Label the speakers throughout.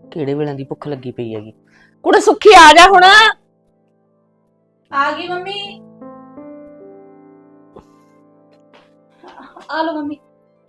Speaker 1: ਕਿਹੜੇ ਵੇਲੇ ਦੀ ਭੁੱਖ ਲੱਗੀ ਪਈ ਹੈਗੀ। ਕੁੜੇ ਸੁੱਖੀ ਆ ਜਾ ਹੁਣ।
Speaker 2: ਆ ਗਈ ਮੰਮੀ। ਆ ਲੋ ਮੰਮੀ।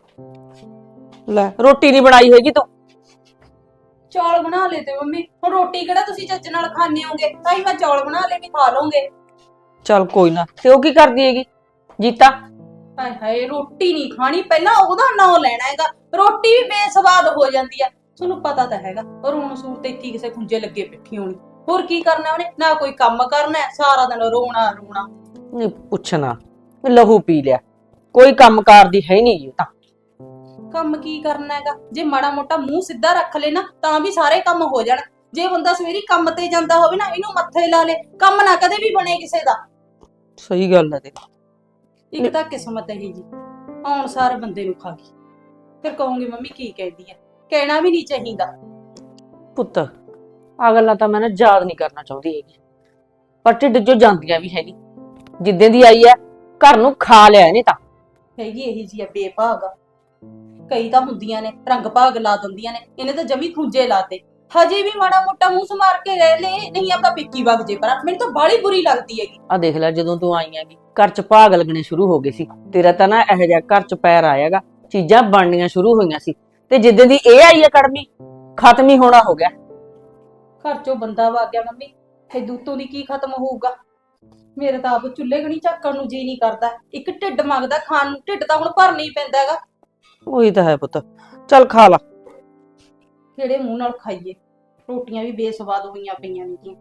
Speaker 1: ਲੈ ਰੋਟੀ ਨਹੀਂ ਬਣਾਈ ਹੈਗੀ ਤੂੰ।
Speaker 2: ਚੌਲ ਬਣਾ ਲਏ ਤੇ ਮੰਮੀ, ਹੁਣ ਰੋਟੀ ਕਿਹੜਾ ਤੁਸੀਂ ਚੱਜ ਨਾਲ ਖਾਣੇ ਹੋਗੇ, ਤਾਂ ਹੀ ਮੈਂ ਚੌਲ ਬਣਾ ਲਏ ਵੀ ਖਾ ਲਓਗੇ।
Speaker 1: ਚੱਲ ਕੋਈ ਨਾ। ਤੇ ਉਹ ਕੀ ਕਰਦੀ ਹੈਗੀ ਜੀਤਾ?
Speaker 2: ਹਾਏ ਹਾਏ, ਰੋਟੀ ਨਹੀਂ ਖਾਣੀ, ਪਹਿਲਾਂ ਉਹਦਾ ਨਾਂ ਲੈਣਾ ਹੈਗਾ। ਰੋਟੀ ਵੀ ਬੇਸਵਾਦ ਹੋ ਜਾਂਦੀ ਆ, ਤੁਹਾਨੂੰ ਪਤਾ ਤਾਂ ਹੈਗਾ। ਰੋਣ ਸੂਰ ਤੇ ਇੱਥੇ ਕਿਸੇ ਖੁੰਝੇ ਲੱਗੇ ਬੈਠੀ ਹੋਣੀ, ਹੋਰ ਕੀ ਕਰਨਾ ਉਹਨੇ? ਨਾ ਕੋਈ ਕੰਮ ਕਰਨਾ, ਸਾਰਾ ਦਿਨ ਰੋਣਾ ਰੋਣਾ।
Speaker 1: ਨਹੀਂ ਪੁੱਛਣਾ, ਲਹੂ ਪੀ ਲਿਆ। ਕੋਈ ਕੰਮ ਕਾਰ ਦੀ ਹੈ ਨਹੀਂ ਇਹ ਤਾਂ।
Speaker 2: ਕੰਮ ਕੀ ਕਰਨਾ ਹੈਗਾ? ਜੇ ਮਾੜਾ ਮੋਟਾ ਮੂੰਹ ਸਿੱਧਾ ਰੱਖ ਲੈ ਨਾ, ਤਾਂ ਵੀ ਸਾਰੇ ਕੰਮ ਹੋ ਜਾਣ। ਜੇ ਬੰਦਾ ਸਵੇਰੀ ਕੰਮ ਤੇ ਜਾਂਦਾ ਹੋਵੇ ਨਾ, ਇਹਨੂੰ ਮੱਥੇ ਲਾ ਲੇ, ਕੰਮ ਨਾ ਕਦੇ ਵੀ ਬਣੇ ਕਿਸੇ ਦਾ।
Speaker 1: ਸਹੀ ਗੱਲ ਹੈ ਤੇ।
Speaker 2: ਇੱਕ ਤਾਂ ਕਿਸਮਤ ਇਹੀ ਜੀ, ਆਉਣ ਸਾਰ ਬੰਦੇ ਨੂੰ ਖਾ ਗਈ। ਫਿਰ ਕਹੂੰਗੀ ਮੰਮੀ ਕੀ ਕਹਿੰਦੀ ਹੈ, ਕਹਿਣਾ ਵੀ ਨਹੀਂ ਚਾਹੀਦਾ।
Speaker 1: ਪੁੱਤ ਆ ਗੱਲਾਂ ਤਾਂ ਮੈਂ ਨਾ ਯਾਦ ਨਹੀਂ ਕਰਨਾ ਚਾਹੁੰਦੀ ਹੈਗੀ, ਪਰ ਢਿੱਡ ਚੋਂ ਜਾਂਦੀਆਂ ਵੀ ਹੈ ਨਹੀਂ। ਜਿੱਦਾਂ ਦੀ ਆਈ ਹੈ ਘਰ ਨੂੰ ਖਾ ਲਿਆ ਇਹਨੇ ਤਾਂ।
Speaker 2: ਹੈਗੀ ਇਹੀ ਜੀ ਆ ਬੇਭਾਗ। ਕਈ ਤਾਂ ਹੁੰਦੀਆਂ ਨੇ ਰੰਗ ਭਾਗ ਲਾ ਦਿੰਦੀਆਂ ਨੇ, ਇਹਨੇ ਤਾਂ ਜਮੀ ਖੁੰਝੇ ਲਾਤੇ। ਹਜੇ ਵੀ ਮਾੜਾ ਮੋਟਾ ਮੂੰਹ ਸਮਾਰ ਕੇ ਰਹਿ ਲੈ, ਨਹੀਂ ਆਪਦਾ ਪਿੱਕੀ ਵਗ ਜੇ। ਪਰ ਮੈਨੂੰ ਤਾਂ ਬਾਹਲੀ ਬੁਰੀ ਲੱਗਦੀ ਹੈਗੀ।
Speaker 1: ਆ ਦੇਖ ਲੈ, ਜਦੋਂ ਤੂੰ ਆਈ ਹੈਗੀ ਘਰ ਚ ਭਾਗ ਲੱਗਣੇ ਸ਼ੁਰੂ ਹੋ ਗਏ ਸੀ। ਤੇਰਾ ਤਾਂ ਨਾ ਇਹੋ ਜਿਹਾ ਘਰ ਚ ਪੈਰ ਆਏਗਾ, ਚੀਜ਼ਾਂ ਬਣਨੀਆਂ ਸ਼ੁਰੂ ਹੋਈਆਂ ਸੀ। ਤੇ ਜਿੱਦਾਂ ਦੀ ਇਹ ਆਈ ਹੈ ਕੜਮੀ, ਖਤਮ ਹੀ ਹੋਣਾ ਹੋ ਗਿਆ।
Speaker 2: ਘਰ ਚੋਂ ਬੰਦਾ ਵਗ ਗਿਆ ਮੰਮੀ, ਤੇ ਦੂਤੋਂ ਦੀ ਕੀ ਖਤਮ ਹੋਊਗਾ? ਮੇਰੇ ਤਾਂ ਆਪ ਚੁੱਲ੍ਹੇ ਗਣੀ ਝੱਕਣ ਨੂੰ ਜੀ ਨਹੀਂ ਕਰਦਾ। ਇੱਕ ਢਿੱਡ ਮੰਗਦਾ ਖਾਣ ਨੂੰ, ਢਿੱਡ ਤਾਂ ਹੁਣ ਭਰਨਾ ਹੀ ਪੈਂਦਾ ਹੈਗਾ।
Speaker 1: ਉਹੀ ਤਾਂ ਹੈ ਪੁੱਤ, ਚੱਲ ਖਾ ਲਾ।
Speaker 2: ਕਿਹੜੇ ਮੂੰਹ ਨਾਲ ਖਾਈਏ? ਰੋਟੀਆਂ ਵੀ ਬੇਸਵਾਦ ਹੋਈਆਂ ਪਈਆਂ ਨੇ।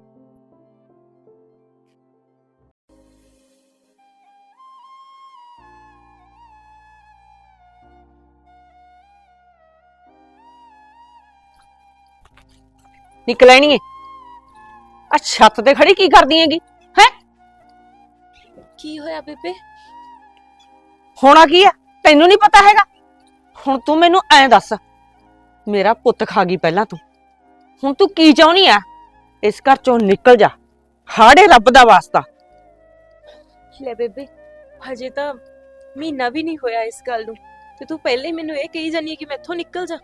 Speaker 1: ਨਿਕਲ ਆਣੀ ਏ। ਆ ਛੱਤ ਤੇ ਖੜੀ ਕੀ ਕਰਦੀ ਹੈਗੀ ਹੈ?
Speaker 3: ਕੀ ਹੋਇਆ ਬੇਬੇ?
Speaker 1: ਹੋਣਾ ਕੀ ਆ, ਤੈਨੂੰ ਨਹੀਂ ਪਤਾ ਹੈਗਾ? ਹੁਣ ਤੂੰ ਮੈਨੂੰ ਐਂ ਦੱਸ, ਮੇਰਾ ਪੁੱਤ ਖਾ ਗਈ ਪਹਿਲਾਂ ਤੂੰ, ਹੁਣ ਤੂੰ ਕੀ ਚਾਹੁੰਦੀ ਆ? ਇਸ ਘਰ ਚੋਂ ਨਿਕਲ ਜਾ, ਹਾੜੇ ਰੱਬ ਦਾ ਵਾਸਤਾ।
Speaker 3: ਲੈ ਬੇਬੇ, ਹਜੇ ਤਾਂ ਮਹੀਨਾ ਵੀ ਨਹੀਂ ਹੋਇਆ ਇਸ ਗੱਲ ਨੂੰ, ਤੇ ਤੂੰ ਪਹਿਲੇ ਹੀ ਮੈਨੂੰ ਇਹ ਕਹੀ ਜਾਨੀ ਹੈ ਕਿ ਮੈਂ ਇੱਥੋਂ ਨਿਕਲ ਜਾ।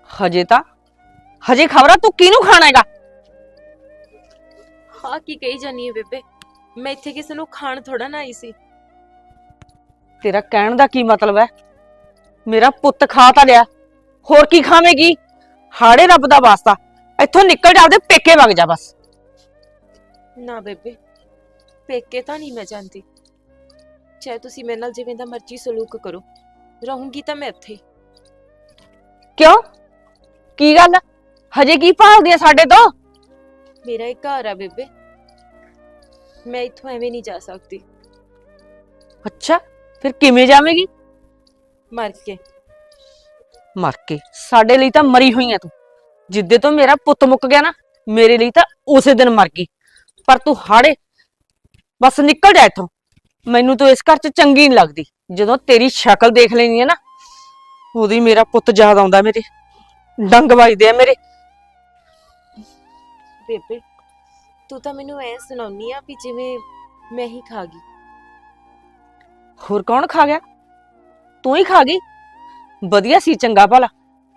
Speaker 1: ਹਜੇ ਖਬਰਾਂ ਤੂੰ ਕਿਹਨੂੰ ਖਾਣਾ ਹੈਗਾ?
Speaker 3: ਹਾਂ ਕੀ ਕਹੀ ਜਾਨੀ ਹੈ ਬੇਬੇ, ਮੈਂ ਇੱਥੇ ਕਿਸੇ ਨੂੰ ਖਾਣ ਥੋੜਾ ਨਾ ਆਈ ਸੀ।
Speaker 1: ਤੇਰਾ ਕਹਿਣ ਦਾ ਕੀ ਮਤਲਬ ਹੈ? ਮੇਰਾ ਪੁੱਤ ਖਾ ਤਾਂ ਲਿਆ, ਹੋਰ ਕੀ ਖਾਵੇਂਗੀ? ਹਾੜੇ ਰੱਬ ਦਾ ਵਾਸਤਾ ਇੱਥੋਂ ਨਿਕਲ ਜਾ, ਆਪਦੇ ਪੇਕੇ ਵਗ ਜਾ ਬਸ।
Speaker 3: ਨਾ ਬੇਬੇ, ਪੇਕੇ ਤਾਂ ਨਹੀਂ ਮੈਂ ਜਾਂਦੀ। ਚਾਹੇ ਤੁਸੀਂ ਮੇਰੇ ਨਾਲ ਜਿਵੇਂ ਦਾ ਮਰਜ਼ੀ ਸਲੂਕ ਕਰੋ, ਰਹੂੰਗੀ ਤਾਂ ਮੈਂ ਇੱਥੇ।
Speaker 1: ਕਿਉਂ? ਕੀ ਗੱਲ, ਹਜੇ ਕੀ ਭਾਲਦੀ ਆ ਸਾਡੇ ਤੋਂ?
Speaker 3: ਮੇਰਾ ਇੱਕ ਘਰ ਆ ਬੇਬੇ, ਮੈਂ ਇੱਥੋਂ ਐਵੇਂ ਨਹੀਂ ਜਾ ਸਕਦੀ।
Speaker 1: ਅੱਛਾ, ਫਿਰ ਕਿਵੇਂ ਜਾਵੇਂਗੀ?
Speaker 3: ਮਰ ਕੇ।
Speaker 1: ਮਰ ਕੇ? ਸਾਡੇ ਲਈ ਤਾਂ ਮਰੀ ਹੋਈ ਆ ਤੂੰ। ਜਿੱਦੇ ਤੋਂ ਮੇਰਾ ਪੁੱਤ ਮੁੱਕ ਗਿਆ ਨਾ, ਮੇਰੇ ਲਈ ਤਾਂ ਉਸੇ ਦਿਨ ਮਰ ਗਈ। ਪਰ ਤੂੰ ਹਾੜੇ ਬਸ ਨਿਕਲ ਜਾ ਇੱਥੋਂ। ਮੈਨੂੰ ਤੂੰ ਇਸ ਘਰ 'ਚ ਚੰਗੀ ਨਹੀਂ ਲੱਗਦੀ। ਜਦੋਂ ਤੇਰੀ ਸ਼ਕਲ ਦੇਖ ਲੈਂਦੀ ਆ ਨਾ, ਉਹਦੀ ਮੇਰਾ ਪੁੱਤ ਯਾਦ ਆਉਂਦਾ, ਮੇਰੇ ਡੰਗ ਵੱਜਦੇ ਆ ਮੇਰੇ।
Speaker 3: ਬੇਬੇ, ਤੂੰ ਤਾਂ ਮੈਨੂੰ ਐ ਸੁਣਾਉਣੀ ਆ ਵੀ ਜਿਵੇਂ ਮੈਂ ਹੀ ਖਾ ਗਈ।
Speaker 1: ਹੋਰ ਕੌਣ ਖਾ ਗਿਆ? ਤੂੰ ਹੀ ਖਾ ਗਈ। ਵਧੀਆ ਸੀ ਚੰਗਾ ਭਲਾ।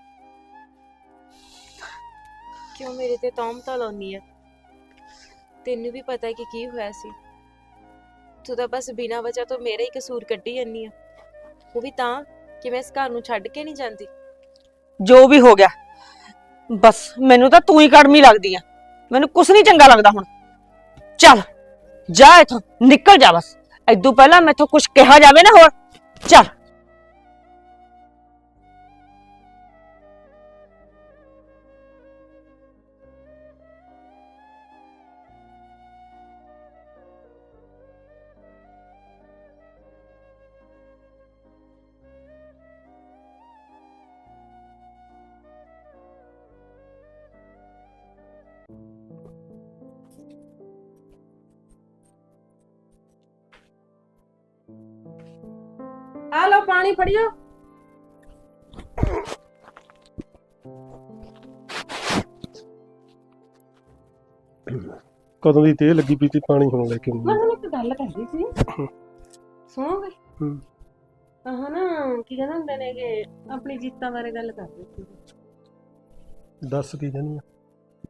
Speaker 3: ਕਿਉਂ ਮੇਰੇ ਤੇ ਤੌਹਮਤਾਂ ਲਾਉਣੀ ਆ? ਤੈਨੂੰ ਵੀ ਪਤਾ ਹੈ ਕਿ ਕੀ ਹੋਇਆ ਸੀ। ਤੂੰ ਤਾਂ ਬਸ ਬਿਨਾਂ ਵਜ੍ਹਾ ਤੋਂ ਮੇਰਾ ਹੀ ਕਸੂਰ ਕੱਢੀ ਜਾਂਦੀ ਆ, ਉਹ ਵੀ ਤਾਂ ਕਿ ਮੈਂ ਇਸ ਘਰ ਨੂੰ ਛੱਡ ਕੇ ਨਹੀਂ ਜਾਂਦੀ।
Speaker 1: ਜੋ ਵੀ ਹੋ ਗਿਆ, ਬਸ ਮੈਨੂੰ ਤਾਂ ਤੂੰ ਹੀ ਕੜਮੀ ਲੱਗਦੀ ਆ। ਮੈਨੂੰ ਕੁਛ ਨਹੀਂ ਚੰਗਾ ਲੱਗਦਾ ਹੁਣ। ਚੱਲ ਜਾ ਇੱਥੋਂ, ਨਿਕਲ ਜਾ ਬਸ। ਏਦੂ ਪਹਿਲਾਂ ਮੈਥੋਂ ਕੁਛ ਕਿਹਾ ਜਾਵੇ ਨਾ ਹੋਰ, ਚੱਲ।
Speaker 2: ਆ ਲਓ ਪਾਣੀ ਫੜਿਓ।
Speaker 4: ਕਦੋਂ ਦੀ ਤੇ ਲੱਗੀ ਪਈ ਤੇ ਪਾਣੀ ਹੁਣ ਲੈ ਕੇ
Speaker 2: ਮੈਂ
Speaker 4: ਆਉਂਦੀ।
Speaker 2: ਤੁਹਾਨੂੰ ਇੱਕ ਗੱਲ ਕਹਿੰਦੀ ਸੀ, ਸੁਣੋਗੇ? ਆਹ ਨਾ ਕੀ ਕਹਿੰਦੇ ਹੁੰਦੇ ਨੇ ਕਿ ਆਪਣੀ ਜੀਤਾਂ ਬਾਰੇ ਗੱਲ ਕਰਦੇ ਸੀ।
Speaker 4: ਦੱਸ ਕੀ ਕਹਿੰਦੀ ਆ?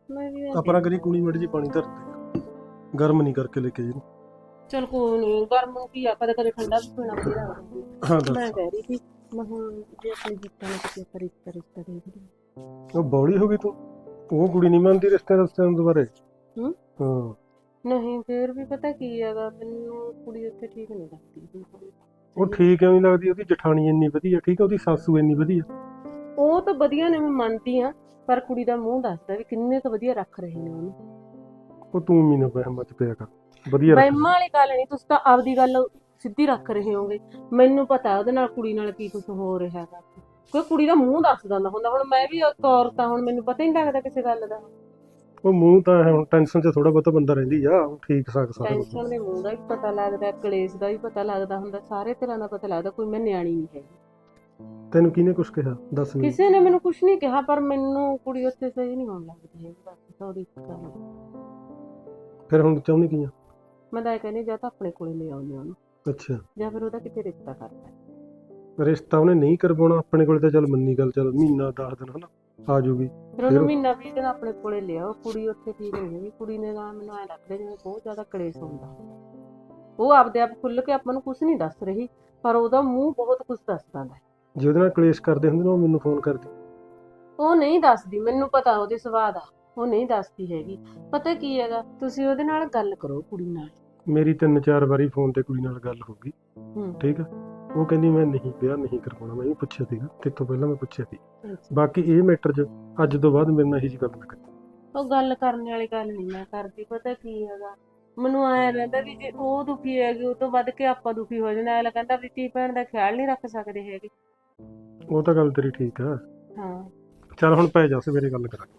Speaker 5: ਮੈਂ ਵੀ
Speaker 4: ਆਪਣਾ ਕਰੀ ਕੁਣੀ ਮੜੀ ਜੀ ਪਾਣੀ ਧਰ ਦੇ, ਗਰਮ ਨਹੀਂ ਕਰਕੇ ਲੈ ਕੇ ਜੀ।
Speaker 5: ਚਲ ਕੋਈ ਨਹੀਂ, ਗਰਮ ਨੂੰ ਕੀ ਆ, ਕਦੇ ਕਦੇ ਠੰਡਾ ਵੀ ਪੀਣਾ ਵਧੀਆ ਲੱਗਦਾ।
Speaker 4: ਹਾਂ
Speaker 5: ਮੈਂ
Speaker 4: ਦੱਸ।
Speaker 5: ਕਹਿ ਰਹੀ ਸੀ ਮੈਂ ਹੁਣ ਜੇ ਆਪਣੀ ਜਿੱਤਾਂ ਨੂੰ ਕਿਤੇ ਪਰ ਰਿਸ਼ਤਾ ਦੇਖ ਲਈ।
Speaker 4: ਉਹ ਬੌਲੀ ਹੋ ਗਈ ਤੂੰ, ਉਹ ਕੁੜੀ ਨਹੀਂ ਮੰਨਦੀ ਰਿਸ਼ਤੇ ਨੂੰ ਦੁਬਾਰੇ।
Speaker 5: ਹੂੰ?
Speaker 4: ਹਾਂ
Speaker 5: ਨਹੀਂ ਫੇਰ ਵੀ ਪਤਾ ਕੀ ਹੈਗਾ, ਮੈਨੂੰ ਕੁੜੀ ਉੱਥੇ ਠੀਕ ਨਹੀਂ ਲੱਗਦੀ।
Speaker 4: ਉਹ ਠੀਕ ਕਿਉਂ ਨਹੀਂ ਲੱਗਦੀ? ਉਹਦੀ ਜਠਾਣੀ ਇੰਨੀ ਵਧੀਆ, ਠੀਕ ਆ, ਉਹਦੀ ਸਾਸੂ ਇੰਨੀ ਵਧੀਆ।
Speaker 5: ਉਹ ਤਾਂ ਵਧੀਆ ਨੇ, ਮੈਂ ਮੰਨਦੀ ਆ, ਪਰ ਕੁੜੀ ਦਾ ਮੂੰਹ ਦੱਸਦਾ ਵੀ ਕਿੰਨੇ ਕੁ ਵਧੀਆ ਰੱਖ ਰਹੇ ਨੇ ਉਹਨੂੰ।
Speaker 4: ਉਹ ਤੂੰ ਵੀ ਨਾ ਵਹਿਮਾਂ ਚ ਪਿਆ ਕਰ, ਵਧੀਆ ਰੱਖ।
Speaker 5: ਵਹਿਮਾਂ ਵਾਲੀ ਗੱਲ ਨਹੀਂ, ਤੁਸੀਂ ਤਾਂ ਆਪਦੀ ਗੱਲ ਸਿੱਧੀ ਰੱਖ ਰਹੇ ਹੋਗੇ। ਮੈਨੂੰ ਪਤਾ ਉਹਦੇ ਨਾਲ ਕੁੜੀ ਨਾਲ ਕੀ ਕੁਝ ਹੋ ਰਿਹਾ ਹੈਗਾ, ਕੋਈ ਕੁੜੀ ਦਾ ਮੂੰਹ ਦੱਸ ਦਿੰਦਾ ਹੁੰਦਾ। ਹੁਣ ਮੈਂ ਵੀ ਇੱਕ ਔਰਤ ਆ, ਹੁਣ ਮੈਨੂੰ ਪਤਾ ਹੀ ਨਹੀਂ ਲੱਗਦਾ ਕਿਸੇ ਗੱਲ ਦਾ।
Speaker 4: ਉਹ ਮੂੰਹ ਤਾਂ ਹੁਣ ਟੈਨਸ਼ਨ ਚ ਥੋੜਾ ਬਹੁਤਾ ਬੰਦਾ ਰਹਿੰਦੀ ਆ, ਉਹ ਠੀਕ ਸਾਰਾ ਕੁਛ।
Speaker 5: ਟੈਨਸ਼ਨ ਦੇ ਮੂੰਹ ਦਾ ਵੀ ਪਤਾ ਲੱਗਦਾ, ਕਲੇਸ਼ ਦਾ ਵੀ ਪਤਾ ਲੱਗਦਾ ਹੁੰਦਾ, ਸਾਰੇ ਤਰ੍ਹਾਂ ਦਾ ਪਤਾ ਲੱਗਦਾ। ਕੋਈ ਮੈਂ ਨਿਆਣੀ ਨਹੀਂ ਹੈਗੀ।
Speaker 4: ਤੈਨੂੰ ਕਿਹਨੇ ਕੁਛ ਕਿਹਾ ਦੱਸ ਮੈਨੂੰ?
Speaker 5: ਕਿਸੇ ਨੇ ਮੈਨੂੰ ਕੁਝ ਨਹੀਂ ਕਿਹਾ, ਪਰ ਮੈਨੂੰ ਕੁੜੀ ਉੱਥੇ ਸਹੀ ਨਹੀਂ ਹੋਣ ਲੱਗਦੀ ਹੈ। ਬਸ ਉਹਦੀ ਗੱਲ।
Speaker 4: ਫਿਰ ਹੁਣ ਚਾਹੁੰਦੀ ਕੀ ਆ?
Speaker 5: ਮੈਂ ਤਾਂ ਇਹ ਕਹਿੰਦੀ ਜਾਂ ਤਾਂ ਆਪਣੇ ਕੋਲੇ ਲੈ ਆਉਂਦੇ ਉਹਨੂੰ,
Speaker 4: ਅੱਛਾ,
Speaker 5: ਜਾਂ ਫਿਰ ਉਹਦਾ ਕਿਤੇ ਰਿਸ਼ਤਾ ਕਰਦਾ।
Speaker 4: ਰਿਸ਼ਤਾ ਉਹਨੇ ਨਹੀਂ ਕਰਵਾਉਣਾ ਆਪਣੇ ਕੋਲ ਤਾਂ ਚੱਲ ਮੰਨੀ ਗੱਲ, ਚੱਲ ਮਹੀਨਾ 10 ਦਿਨ ਹਨਾ ਆ ਜੂਗੀ।
Speaker 5: ਫਿਰ ਉਹਨੂੰ ਮਹੀਨਾ 20 ਦਿਨ ਆਪਣੇ ਕੋਲੇ ਲਿਆਓ। ਕੁੜੀ ਉੱਥੇ ਠੀਕ ਨਹੀਂ ਹੈਗੀ। ਕੁੜੀ ਨੇ ਤਾਂ ਮੈਨੂੰ ਐਂ ਲੱਗਦਾ ਜਿਵੇਂ ਬਹੁਤ ਜ਼ਿਆਦਾ ਕਲੇਸ਼ ਹੁੰਦਾ। ਉਹ ਆਪਦੇ ਆਪ ਖੁੱਲ ਕੇ ਆਪਾਂ ਨੂੰ ਕੁਝ ਨਹੀਂ ਦੱਸ ਰਹੀ, ਪਰ ਉਹਦਾ ਮੂੰਹ ਬਹੁਤ ਕੁਝ ਦੱਸਦਾ ਹੈ।
Speaker 4: ਜੇ ਉਹਦੇ ਨਾਲ ਕਲੇਸ਼ ਕਰਦੇ ਹੁੰਦੇ ਨਾ, ਉਹ ਮੈਨੂੰ ਫੋਨ ਕਰਦੀ।
Speaker 5: ਉਹ ਨਹੀਂ ਦੱਸਦੀ, ਮੈਨੂੰ ਪਤਾ ਉਹਦੇ ਸੁਭਾਅ ਦਾ, ਉਹ ਨਹੀਂ ਦੱਸਦੀ ਹੈਗੀ। ਪਤਾ ਕੀ ਹੈਗਾ, ਤੁਸੀਂ ਉਹਦੇ ਨਾਲ ਗੱਲ ਕਰੋ ਕੁੜੀ ਨਾਲ।
Speaker 4: ਮੇਰੀ 3-4 ਵਾਰੀ ਫੋਨ ਤੇ ਕੁੜੀ ਨਾਲ ਗੱਲ ਹੋ ਗਈ, ਠੀਕ ਆ। ਉਹ ਕਹਿੰਦੀ ਮੈਂ ਨਹੀਂ ਵਿਆਹ ਨਹੀਂ ਕਰਵਾਉਣਾ। ਮੈਂ ਵੀ ਪੁੱਛਿਆ ਸੀਗਾ, ਤੇ ਤੋਂ ਪਹਿਲਾਂ ਮੈਂ ਪੁੱਛਿਆ ਸੀ। ਬਾਕੀ ਇਹ ਮੈਟਰ 'ਚ ਅੱਜ ਤੋਂ ਬਾਅਦ ਮੇਰੇ ਨਾਲ ਇਹੀ ਜਿਹੀ ਗੱਲ ਨਾ ਕਰੀ।
Speaker 5: ਉਹ ਗੱਲ ਕਰਨ ਵਾਲੀ ਗੱਲ ਨਹੀਂ ਮੈਂ ਕਰਦੀ। ਪਤਾ ਕੀ ਹੈਗਾ, ਮੈਨੂੰ ਐਂ ਰਹਿੰਦਾ ਵੀ ਜੇ ਉਹ ਦੁਖੀ ਹੈਗੀ, ਉਹ ਤੋਂ ਵੱਧ ਕੇ ਆਪਾਂ ਦੁਖੀ ਹੋ ਜਾਣਾ। ਐਂ ਕਹਿੰਦਾ ਵੀ ਧੀ ਭੈਣ ਦਾ ਖਿਆਲ ਨਹੀਂ ਰੱਖ ਸਕਦੇ ਹੈਗੇ।
Speaker 4: ਉਹ ਤਾਂ ਗੱਲ ਤੇਰੀ ਠੀਕ ਆ।
Speaker 5: ਹਾਂ
Speaker 4: ਚੱਲ ਹੁਣ ਪੈ ਜਾ, ਸਵੇਰੇ ਗੱਲ ਕਰਾਂਗੇ।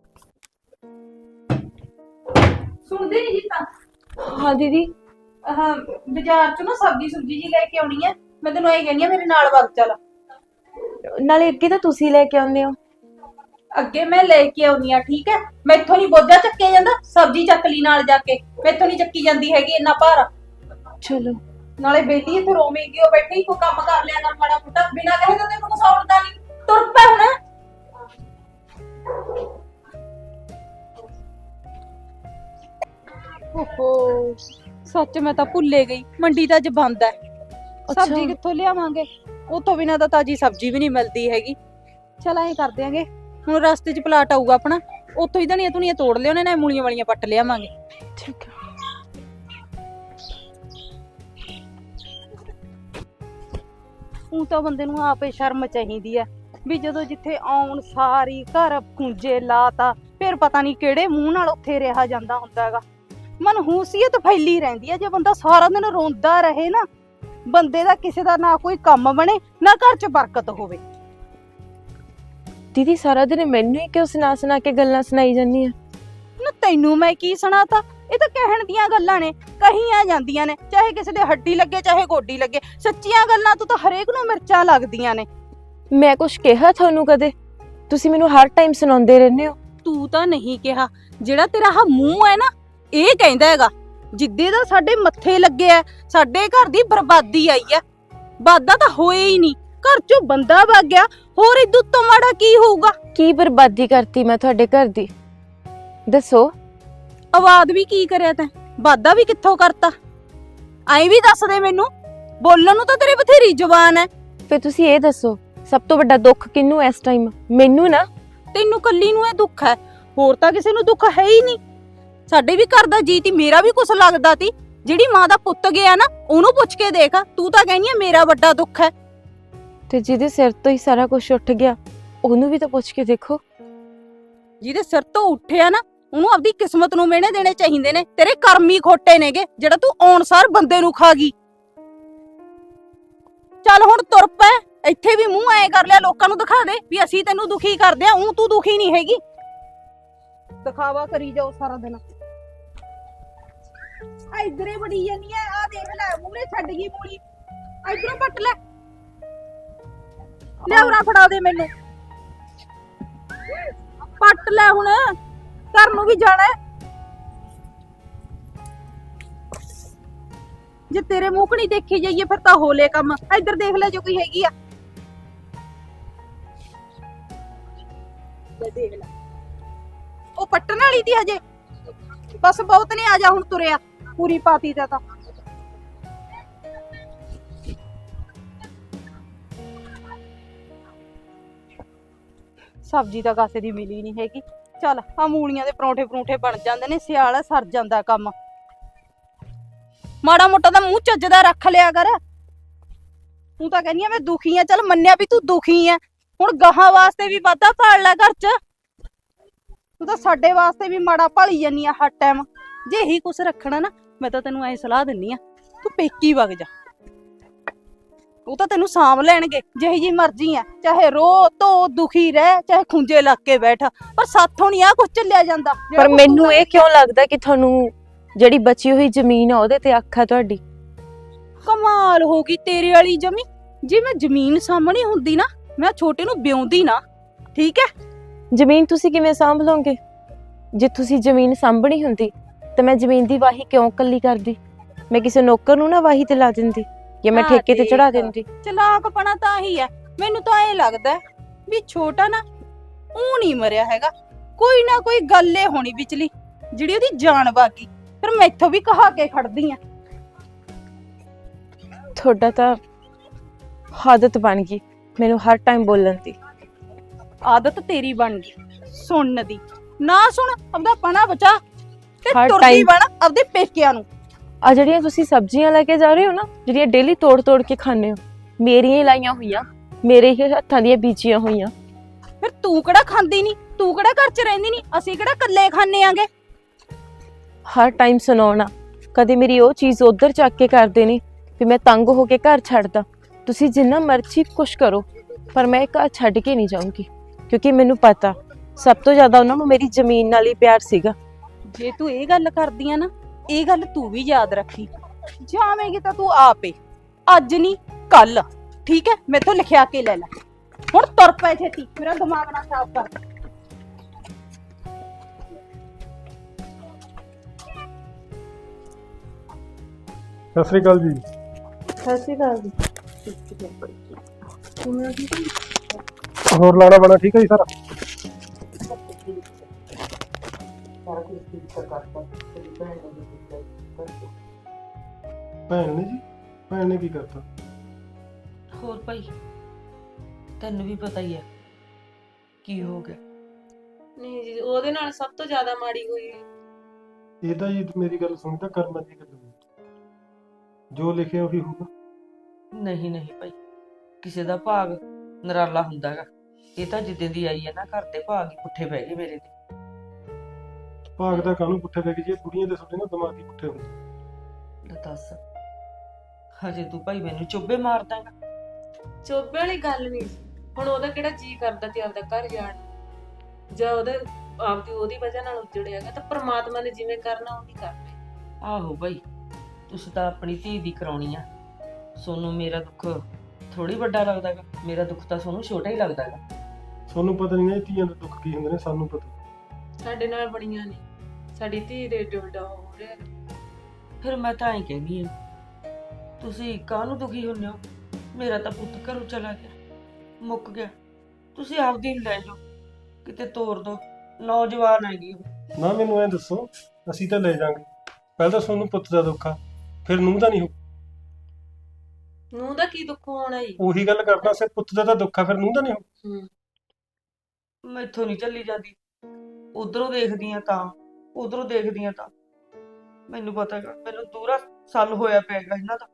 Speaker 2: ਸੁਣਦੇ ਨਹੀਂ ਜੀ ਤਾਂ।
Speaker 3: ਹਾਂ ਦੀਦੀ।
Speaker 2: ਬਾਜ਼ਾਰ ਚੋਂ ਨਾ ਸਬਜ਼ੀ ਸੁਬਜੀ ਜੀ ਲੈ ਕੇ ਆਉਣੀ ਹੈ। ਮੈਂ ਤੈਨੂੰ ਇਹ ਕਹਿੰਦੀ ਆ, ਮੇਰੇ ਨਾਲ ਵਗ ਚੱਲ।
Speaker 3: ਨਾਲੇ ਅੱਗੇ ਤਾਂ ਤੁਸੀਂ ਲੈ ਕੇ ਆਉਂਦੇ ਹੋ।
Speaker 2: ਅੱਗੇ ਮੈਂ ਲੈ ਕੇ ਆਉਣੀ ਆ, ਠੀਕ ਹੈ। ਮੈਥੋਂ ਨਹੀਂ ਬੋਝਾ ਚੱਕਿਆ ਜਾਂਦਾ। ਸਬਜ਼ੀ ਚੱਕ ਲਈ ਨਾਲ ਜਾ ਕੇ, ਮੈਥੋਂ ਨਹੀਂ ਚੱਕੀ ਜਾਂਦੀ ਹੈਗੀ ਇੰਨਾ ਭਾਰ।
Speaker 3: ਚਲੋ।
Speaker 2: ਨਾਲੇ ਬੇਟੀ ਇੱਥੇ ਰੋਵੇਂਗੀ, ਉਹ ਬੈਠੀ ਕੋ ਕੰਮ ਕਰ ਲਿਆ ਕਰ ਮਾੜਾ ਮੋਟਾ, ਬਿਨਾਂ ਕਹੇ ਤਾਂ ਤੈਨੂੰ ਕੁਛ ਆਉਣਦਾ ਨਹੀਂ। ਤੁਰ ਪੈ ਹੁਣ। ਓਹੋ, ਸੱਚ ਮੈਂ ਤਾਂ ਭੁੱਲੇ ਗਈ, ਮੰਡੀ ਤਾਂ ਅੱਜ ਬੰਦ ਹੈ। ਸਬਜ਼ੀ ਕਿੱਥੋਂ ਲਿਆਵਾਂਗੇ? ਉਤੋਂ ਬਿਨਾਂ ਤਾਂ ਤਾਜੀ ਸਬਜ਼ੀ ਵੀ ਨਹੀਂ ਮਿਲਦੀ ਹੈਗੀ। ਚਲ ਐਂ ਕਰ ਦਿਆਂਗੇ, ਹੁਣ ਰਸਤੇ 'ਚ ਪਲਾਟ ਆਊਗਾ ਆਪਣਾ, ਉੱਥੋਂ ਹੀ ਧਨੀਆਂ ਧੁਨੀਆਂ ਤੋੜ ਲਿਆਉਣੇ ਨੇ, ਮੂਲੀਆਂ ਵਾਲੀਆਂ ਪੱਟ ਲਿਆਵਾਂਗੇ।
Speaker 3: ਠੀਕ ਹੈ।
Speaker 2: ਉਹ ਤਾਂ ਬੰਦੇ ਨੂੰ ਆਪੇ ਸ਼ਰਮ ਚਾਹੀਦੀ ਹੈ ਵੀ ਜਦੋਂ ਜਿੱਥੇ ਆਉਣ ਸਾਰੀ ਘਰ ਖੁੰਝੇ ਲਾਤਾ, ਫਿਰ ਪਤਾ ਨਹੀਂ ਕਿਹੜੇ ਮੂੰਹ ਨਾਲ ਉੱਥੇ ਰਿਹਾ ਜਾਂਦਾ ਹੁੰਦਾ ਹੈਗਾ। ਮਨਹੂਸੀਅਤ ਫੈਲੀ ਰਹਿੰਦੀ ਹੈ ਜੇ ਬੰਦਾ ਸਾਰਾ ਦਿਨ ਰੋਂਦਾ ਰਹੇ ਨਾ। ਬੰਦੇ ਦਾ ਕਿਸੇ ਦਾ ਨਾ ਕੋਈ ਕੰਮ ਬਣੇ, ਨਾ ਘਰ 'ਚ ਬਰਕਤ ਹੋਵੇ।
Speaker 3: ਦੀਦੀ ਸਾਰਾ ਦਿਨ ਮੈਨੂੰ ਹੀ ਕਿਉਂ ਸੁਣਾ ਕੇ ਗੱਲਾਂ ਸੁਣਾਈ ਜਾਂਦੀ ਆ?
Speaker 2: ਨਾ ਤੈਨੂੰ ਮੈਂ ਕੀ ਸੁਣਾਤਾ? ਇਹ ਤਾਂ ਕਹਿਣ ਦੀਆਂ ਗੱਲਾਂ ਨੇ, ਕਹੀਆਂ ਜਾਂਦੀਆਂ ਨੇ, ਚਾਹੇ ਕਿਸੇ ਦੇ ਹੱਡੀ ਲੱਗੇ ਚਾਹੇ ਗੋਡੀ ਲੱਗੇ। ਸੱਚੀਆਂ ਗੱਲਾਂ ਤੋਂ ਤਾਂ ਹਰੇਕ ਨੂੰ ਮਿਰਚਾਂ ਲੱਗਦੀਆਂ ਨੇ।
Speaker 3: ਮੈਂ ਕੁਛ ਕਿਹਾ ਤੁਹਾਨੂੰ ਕਦੇ? ਤੁਸੀਂ ਮੈਨੂੰ ਹਰ ਟਾਈਮ ਸੁਣਾਉਂਦੇ ਰਹਿੰਦੇ ਹੋ।
Speaker 2: ਤੂੰ ਤਾਂ ਨਹੀਂ ਕਿਹਾ, ਜਿਹੜਾ ਤੇਰਾ ਆਹ ਮੂੰਹ ਹੈ ਨਾ, ਇਹ ਕਹਿੰਦਾ ਹੈਗਾ। ਜਿੱਦੇ ਦਾ ਸਾਡੇ ਮੱਥੇ ਲੱਗਿਆ, ਸਾਡੇ ਘਰ ਦੀ ਬਰਬਾਦੀ ਆਈ ਹੈ। ਵਾਦਾ ਤਾਂ ਹੋਏ ਹੀ ਨਹੀਂ, ਘਰ ਚੋਂ ਬੰਦਾ ਵਗ ਗਿਆ, ਹੋਰ ਇਦੋਂ ਤੋਂ ਮਾੜਾ ਕੀ ਹੋਊਗਾ?
Speaker 3: ਕੀ ਬਰਬਾਦੀ ਕਰਤੀ ਮੈਂ ਤੁਹਾਡੇ ਘਰ ਦੀ? ਦੱਸੋ।
Speaker 2: ਆਵਾਜ਼ ਵੀ ਕੀ ਕਰਿਆ ਤੈਂ? ਵਾਦਾ ਵੀ ਕਿੱਥੋਂ ਕਰਤਾ? ਐਂ ਵੀ ਦੱਸ ਦੇ ਮੈਨੂੰ, ਬੋਲਣ ਨੂੰ ਤਾਂ ਤੇਰੀ ਬਥੇਰੀ ਜ਼ੁਬਾਨ ਹੈ।
Speaker 3: ਫਿਰ ਤੁਸੀਂ ਇਹ ਦੱਸੋ, ਸਭ ਤੋਂ ਵੱਡਾ ਦੁੱਖ ਕਿਹਨੂੰ ਇਸ ਟਾਈਮ? ਮੈਨੂੰ ਨਾ।
Speaker 2: ਤੈਨੂੰ ਕੱਲੀ ਨੂੰ ਇਹ ਦੁੱਖ ਹੈ, ਹੋਰ ਤਾਂ ਕਿਸੇ ਨੂੰ ਦੁੱਖ ਹੈ ਹੀ ਨਹੀਂ। ਸਾਡੇ ਵੀ ਘਰ ਦਾ ਜੀ ਤੀ, ਮੇਰਾ ਵੀ ਕੁਛ ਲੱਗਦਾ ਤੀ। ਜਿਹੜੀ ਮਾਂ ਦਾ ਪੁੱਤ ਗਿਆ ਨਾ, ਉਹਨੂੰ ਪੁੱਛ ਕੇ ਦੇਖ। ਤੂੰ ਤਾਂ ਕਹਿੰਦੀ ਆ ਮੇਰਾ ਵੱਡਾ ਦੁੱਖ ਹੈ।
Speaker 3: ਤੇ ਜਿਹਦੇ ਸਿਰ ਤੋਂ ਹੀ ਸਾਰਾ ਕੁਝ ਉੱਠ ਗਿਆ, ਉਹਨੂੰ ਵੀ ਤਾਂ ਪੁੱਛ ਕੇ ਦੇਖੋ।
Speaker 2: ਜਿਹਦੇ ਸਿਰ ਤੋਂ ਉੱਠਿਆ ਨਾ, ਉਹਨੂੰ ਆਪਦੀ ਕਿਸਮਤ ਨੂੰ ਮਿਹਣੇ ਦੇਣੇ ਚਾਹੀਦੇ ਨੇ। ਤੇਰੇ ਕਰਮ ਹੀ ਖੋਟੇ ਨੇਗੇ, ਜਿਹੜਾ ਤੂੰ ਆਉਣਸਾਰ ਬੰਦੇ ਨੂੰ ਖਾ ਗਈ। ਚੱਲ ਹੁਣ ਤੁਰ ਪੈ। ਇੱਥੇ ਵੀ ਮੂੰਹ ਐ ਕਰ ਲਿਆ, ਲੋਕਾਂ ਨੂੰ ਦਿਖਾ ਦੇ ਵੀ ਅਸੀਂ ਤੈਨੂੰ ਦੁਖੀ ਕਰਦੇ ਆ। ਤੂੰ ਦੁਖੀ ਨਹੀਂ ਹੈਗੀ, ਦਿਖਾਵਾ ਕਰੀ ਜਾਓ ਸਾਰਾ ਦਿਨ। ਇਧਰੇ ਬੜੀ ਜਾਨੀ ਐ, ਆ ਦੇਖ ਲੈ ਮੂਹਰੇ ਛੱਡ ਗਈ ਮੂਲੀ। ਇਧਰੋਂ ਪੱਟ ਲੈ, ਲਿਆਵਰਾ ਫੜਾ ਦੇ ਮੈਨੂੰ। ਪੱਟ ਲੈ ਹੁਣ, ਘਰ ਨੂੰ ਵੀ ਜਾਣਾ। ਜੇ ਤੇਰੇ ਮੂੰਹ ਕਣੀ ਦੇਖੀ ਜਾਈਏ ਫਿਰ ਤਾਂ ਹੋਲੇ ਕੰਮ। ਇੱਧਰ ਦੇਖ ਲੈ ਜੋ ਕੋਈ ਹੈਗੀ ਆ, ਦੇਖ ਲੈ। ਉਹ ਪੱਟਣ ਵਾਲੀ ਦੀ ਹਜੇ ਬਸ ਬਹੁਤ ਨਹੀਂ, ਆ ਜਾ ਹੁਣ ਤੁਰਿਆ ਪੂਰੀ ਪਾਤੀ ਦਾ ਤਾਂ। ਸਬਜ਼ੀ ਤਾਂ ਕਾਸੇ ਦੀ ਮਿਲੀ ਨਹੀਂ ਹੈਗੀ। ਚੱਲ ਆ ਮੂਲੀਆਂ ਦੇ ਪਰੌਂਠੇ ਪਰੌਂਠੇ ਬਣ ਜਾਂਦੇ ਨੇ, ਸਿਆਲ ਆ, ਸਰ ਜਾਂਦਾ ਕੰਮ। ਮਾੜਾ ਮੋਟਾ ਤਾਂ ਮੂੰਹ ਚੱਜਦਾ ਰੱਖ ਲਿਆ ਕਰ। ਤੂੰ ਤਾਂ ਕਹਿੰਦੀ ਆ ਮੈਂ ਦੁਖੀ ਆ, ਚੱਲ ਮੰਨਿਆ ਵੀ ਤੂੰ ਦੁਖੀ ਆ, ਹੁਣ ਗਾਹਾਂ ਵਾਸਤੇ ਵੀ ਵਾਧਾ ਭਾਲ ਲੈ ਘਰ 'ਚ। ਤੂੰ ਤਾਂ ਸਾਡੇ ਵਾਸਤੇ ਵੀ ਮਾੜਾ ਭਾਲੀ ਜਾਨੀ ਆ ਹਰ ਟਾਈਮ। ਜੇ ਇਹੀ ਕੁਛ ਰੱਖਣਾ ਨਾ, ਮੈਂ ਤਾਂ ਤੈਨੂੰ ਐ ਸਲਾਹ ਦਿੰਨੀ ਆ, ਤੂੰ ਪੇਕੀ ਵਗ ਜਾ। ਉਹ ਤਾਂ ਤੈਨੂੰ ਸਾਂਭ ਲੈਣਗੇ ਜਿਹੀ ਜੀ ਮਰਜ਼ੀ ਆ, ਚਾਹੇ ਰੋ ਧੋ ਦੁਖੀ ਰਹਿ, ਚਾਹੇ ਖੁੰਝੇ ਲੱਗ ਕੇ ਬੈਠ, ਪਰ ਸਾਥੋਂ ਨਹੀਂ ਆ ਕੁਛ ਚੱਲਿਆ ਜਾਂਦਾ।
Speaker 3: ਪਰ ਮੈਨੂੰ ਇਹ ਕਿਉਂ ਲੱਗਦਾ ਕਿ ਤੁਹਾਨੂੰ ਜਿਹੜੀ ਬਚੀ ਹੋਈ ਜ਼ਮੀਨ ਆ ਉਹਦੇ ਤੇ ਅੱਖ ਆ ਤੁਹਾਡੀ?
Speaker 2: ਕਮਾਲ ਹੋ ਗਈ ਤੇਰੇ ਵਾਲੀ ਜਮੀ। ਜੇ ਮੈਂ ਜ਼ਮੀਨ ਸਾਹਮਣੀ ਹੁੰਦੀ ਨਾ, ਮੈਂ ਛੋਟੇ ਨੂੰ ਵਿਆਉਂਦੀ ਨਾ, ਠੀਕ ਹੈ?
Speaker 3: ਜ਼ਮੀਨ ਤੁਸੀਂ ਕਿਵੇਂ ਸਾਂਭ ਲਓਗੇ? ਜੇ ਤੁਸੀਂ ਜ਼ਮੀਨ ਸਾਂਭਣੀ ਹੁੰਦੀ ਤਾਂ ਮੈਂ ਜ਼ਮੀਨ ਦੀ ਵਾਹੀ ਕਿਉਂ ਕੱਲੀ ਕਰਦੀ? ਮੈਂ ਕਿਸੇ ਨੌਕਰ ਨੂੰ ਨਾ ਵਾਹੀ ਤੇ ਲਾ ਦਿੰਦੀ ਜਾਂ ਮੈਂ ਠੇਕੇ ਤੇ ਚੜਾ ਦਿੰਦੀ।
Speaker 2: ਚਲਾਕਪਣਾ ਤਾਂ ਹੀ ਹੈ। ਮੈਨੂੰ ਤਾਂ ਇਹ ਲੱਗਦਾ ਵੀ ਛੋਟਾ ਨਾ ਉਹ ਨਹੀਂ ਮਰਿਆ ਹੈਗਾ, ਕੋਈ ਨਾ ਕੋਈ ਗੱਲ ਏ ਹੋਣੀ ਵਿਚਲੀ ਜਿਹੜੀ ਉਹਦੀ ਜਾਨ ਬਾਕੀ। ਫਿਰ ਮੈਥੋਂ ਵੀ ਕਹਾ ਕੇ ਖੜਦੀ ਆ।
Speaker 3: ਤੁਹਾਡਾ ਤਾਂ ਆਦਤ ਬਣ ਗਈ ਮੈਨੂੰ ਹਰ ਟਾਈਮ ਬੋਲਣ ਦੀ।
Speaker 2: ਆਦਤ ਤੇਰੀ ਬਣ ਗਈ ਸੁਣਨ ਦੀ। ਨਾ ਸੁਣ, ਆਪਦਾ ਪਣਾ ਬਚਾ ਤੇ
Speaker 3: ਹਰ
Speaker 2: ਤੁਰਦੀ
Speaker 3: time-
Speaker 2: ਬਣ ਆਪਦੇ ਪੇਕਿਆਂ ਨੂੰ।
Speaker 3: ਆ ਜਿਹੜੀਆਂ ਤੁਸੀਂ ਸਬਜ਼ੀਆਂ ਲੈ ਕੇ ਜਾ ਰਹੇ ਹੋ ਨਾ, ਜਿਹੜੀਆਂ ਡੇਲੀ ਤੋੜ ਤੋੜ ਕੇ ਖਾਂਦੇ ਹੋ, ਮੇਰੀਆਂ ਹੀ ਲਾਈਆਂ ਹੋਈਆਂ, ਮੇਰੇ ਹੀ ਹੱਥਾਂ ਦੀਆਂ ਬੀਜੀਆਂ ਹੋਈਆਂ।
Speaker 2: ਫਿਰ ਤੂੰ ਕਿਹੜਾ ਖਾਂਦੀ ਨਹੀਂ, ਤੂੰ ਕਿਹੜਾ ਘਰ 'ਚ ਰਹਿੰਦੀ ਨਹੀਂ, ਅਸੀਂ ਕਿਹੜਾ ਇਕੱਲੇ ਖਾਂਦੇ ਆਂਗੇ।
Speaker 3: ਹਰ ਟਾਈਮ ਸੁਣਾਉਣਾ, ਕਦੇ ਮੇਰੀ ਉਹ ਚੀਜ਼ ਉਧਰ ਚੱਕ ਕੇ ਕਰਦੇ ਨੇ ਵੀ ਮੈਂ ਤੰਗ ਹੋ ਕੇ ਘਰ ਛੱਡਦਾ। ਤੁਸੀਂ ਜਿੰਨਾ ਮਰਜ਼ੀ ਕੁਛ ਕਰੋ, ਪਰ ਮੈਂ ਘਰ ਛੱਡ ਕੇ ਨਹੀਂ ਜਾਊਂਗੀ, ਕਿਉਂਕਿ ਮੈਨੂੰ ਪਤਾ ਸਭ ਤੋਂ ਜ਼ਿਆਦਾ ਉਹਨਾਂ ਨੂੰ ਮੇਰੀ ਜ਼ਮੀਨ ਨਾਲ ਹੀ ਪਿਆਰ ਸੀਗਾ।
Speaker 2: ਜੇ ਤੂੰ ਇਹ ਗੱਲ ਕਰਦੀ ਆ ਨਾ, ਇਹ ਗੱਲ ਤੂੰ ਵੀ ਯਾਦ ਰੱਖੀ, ਜਾਵੇਂਗੀ ਤਾਂ ਤੂੰ ਆਪੇ, ਅੱਜ ਨਹੀਂ ਕੱਲ, ਠੀਕ ਹੈ? ਮੈਥੋਂ ਲਿਖਿਆ ਕੇ ਲੈ ਲੈ। ਹੁਣ ਤੁਰ ਪੈ ਛੇਤੀ, ਮੇਰਾ ਦਿਮਾਗ ਨਾ ਖਰਾਬ ਕਰ।
Speaker 4: ਸਤਿ ਸ੍ਰੀ ਅਕਾਲ ਜੀ।
Speaker 5: ਸਤਿ ਸ਼੍ਰੀ ਅਕਾਲ ਜੀ।
Speaker 4: ਹੋਰ ਲਾਣਾ ਬਣਾ ਠੀਕ ਹੈ ਜੀ ਸਾਰਾ? ਭੈਣ ਨੇ ਜੀ, ਭੈਣ ਨੇ ਕੀ ਕਰਤਾ?
Speaker 1: ਹੋਰ ਭਾਈ ਤੈਨੂੰ ਵੀ ਪਤਾ ਹੀ ਹੈ ਕੀ ਹੋ ਗਿਆ।
Speaker 5: ਨਹੀਂ ਜੀ, ਉਹਦੇ ਨਾਲ ਸਭ ਤੋਂ ਜ਼ਿਆਦਾ ਮਾੜੀ ਹੋਈ ਹੈ।
Speaker 4: ਇਹ ਤਾਂ ਜੀ ਮੇਰੀ ਗੱਲ ਸੁਣੀ ਤਾਂ ਕਰਮਾਂ ਦੀ ਗੱਲ ਹੋਈ। ਜੋ ਲਿਖਿਆ ਉਹੀ ਹੋਊਗਾ।
Speaker 1: ਨਹੀਂ ਨਹੀਂ ਭਾਈ, ਕਿਸੇ ਦਾ ਭਾਗ ਨਰਾਲਾ ਹੁੰਦਾ ਗਾ। ਇਹ ਤਾਂ ਜਿੱਦੇ ਦੀ ਆਈ ਹੈ ਨਾ, ਘਰ ਦੇ ਭਾਗ ਹੀ ਪੁੱਠੇ ਪੈ ਗਏ ਮੇਰੇ ਤੇ।
Speaker 4: ਭਾਗ ਦਾ ਕਾਹਨੂੰ ਪੁੱਠੇ ਪੈ ਗਏ ਜੀ? ਬੁੜੀਆਂ ਦੇ ਤੁਹਾਡੇ ਨਾ ਦਿਮਾਗ ਹੀ ਪੁੱਠੇ ਹੁੰਦੇ।
Speaker 1: ਲੈ ਦੱਸ, ਹਜੇ ਤੂੰ ਭਾਈ ਮੈਨੂੰ ਚੁੱਭੇ ਮਾਰਦਾ ਗਾ।
Speaker 5: ਚੋਬੇ ਵਾਲੀ ਗੱਲ ਨਹੀਂ ਸੀ। ਹੁਣ ਉਹਦਾ ਕਿਹੜਾ ਜੀ ਕਰਦਾ ਤੇ ਆਪਦਾ ਘਰ ਜਾਣ, ਜਾਂ ਉਹਦੀ ਵਜ੍ਹਾ ਨਾਲ ਉਜੜਿਆਗਾ, ਤਾਂ ਪ੍ਰਮਾਤਮਾ ਨੇ ਜਿਵੇਂ ਕਰਨਾ ਉਹੀ ਕਰਨਾ।
Speaker 1: ਆਹੋ ਭਾਈ, ਤੁਸੀਂ ਤਾਂ ਆਪਣੀ ਧੀ ਦੀ ਕਰਾਉਣੀ ਆ। ਸੋਨੂੰ ਮੇਰਾ ਦੁੱਖ ਥੋੜੀ ਵੱਡਾ ਲੱਗਦਾ ਗਾ, ਮੇਰਾ ਦੁੱਖ ਤਾਂ ਸੋਨੂੰ ਛੋਟਾ ਹੀ ਲੱਗਦਾ ਗਾ।
Speaker 4: ਤੁਹਾਨੂੰ ਪਤਾ ਨਹੀਂ ਨਾ ਧੀਆਂ ਦੇ ਦੁੱਖ ਕੀ ਹੁੰਦੇ ਨੇ, ਸਾਨੂੰ ਪਤਾ।
Speaker 5: ਸਾਡੇ ਨਾਲ ਬਣੀਆਂ ਨੇ, ਸਾਡੀ ਧੀ ਦੇ ਡੋਡਾ ਹੋ ਰਿਹਾ।
Speaker 1: ਫਿਰ ਮੈਂ ਤਾਂ ਐਂ ਕਹਿੰਦੀ ਆ, ਤੁਸੀਂ ਕਾਹਨੂੰ ਦੁਖੀ ਹੁੰਦੇ ਹੋ? ਮੇਰਾ ਤਾਂ ਪੁੱਤ ਘਰੋਂ ਚਲਾ ਗਿਆ, ਮੁੱਕ ਗਿਆ। ਤੁਸੀਂ ਆਪਦੀ ਲੈ ਜਾਓ, ਕਿਤੇ ਤੋਰ ਦੋ। ਨੌਜਵਾਨ ਹੈਗੀ ਉਹ।
Speaker 4: ਨਾ ਮੈਨੂੰ ਐ ਦੱਸੋ, ਅਸੀਂ ਤਾਂ ਲੈ ਜਾਾਂਗੇ। ਪਹਿਲਾਂ ਤਾਂ ਤੁਹਾਨੂੰ ਪੁੱਤ ਦਾ ਦੁੱਖ ਆ, ਫਿਰ ਨੂੰਹ ਦਾ ਨਹੀਂ ਹੋ।
Speaker 5: ਨੂੰਹ ਦਾ ਕੀ ਦੁੱਖ ਹੋਣਾ ਜੀ?
Speaker 4: ਉਹੀ ਗੱਲ ਕਰਦਾ, ਸੇ ਪੁੱਤ ਦਾ ਤਾਂ ਦੁੱਖ ਆ, ਫਿਰ ਨੂੰਹ ਦਾ ਨਹੀਂ ਹੋ।
Speaker 1: ਮੈਥੋਂ ਨਹੀਂ ਚੱਲੀ ਜਾਂਦੀ। ਉਧਰੋਂ ਦੇਖਦੀਆਂ ਤਾਂ ਉਧਰੋਂ ਦੇਖਦੀਆਂ ਤਾਂ ਮੈਨੂੰ ਪਤਾ ਹੈਗਾ, ਮੈਨੂੰ ਦੂਰਾ ਸਾਲ ਹੋਇਆ ਪਿਆਗਾ ਇਹਨਾਂ ਦਾ।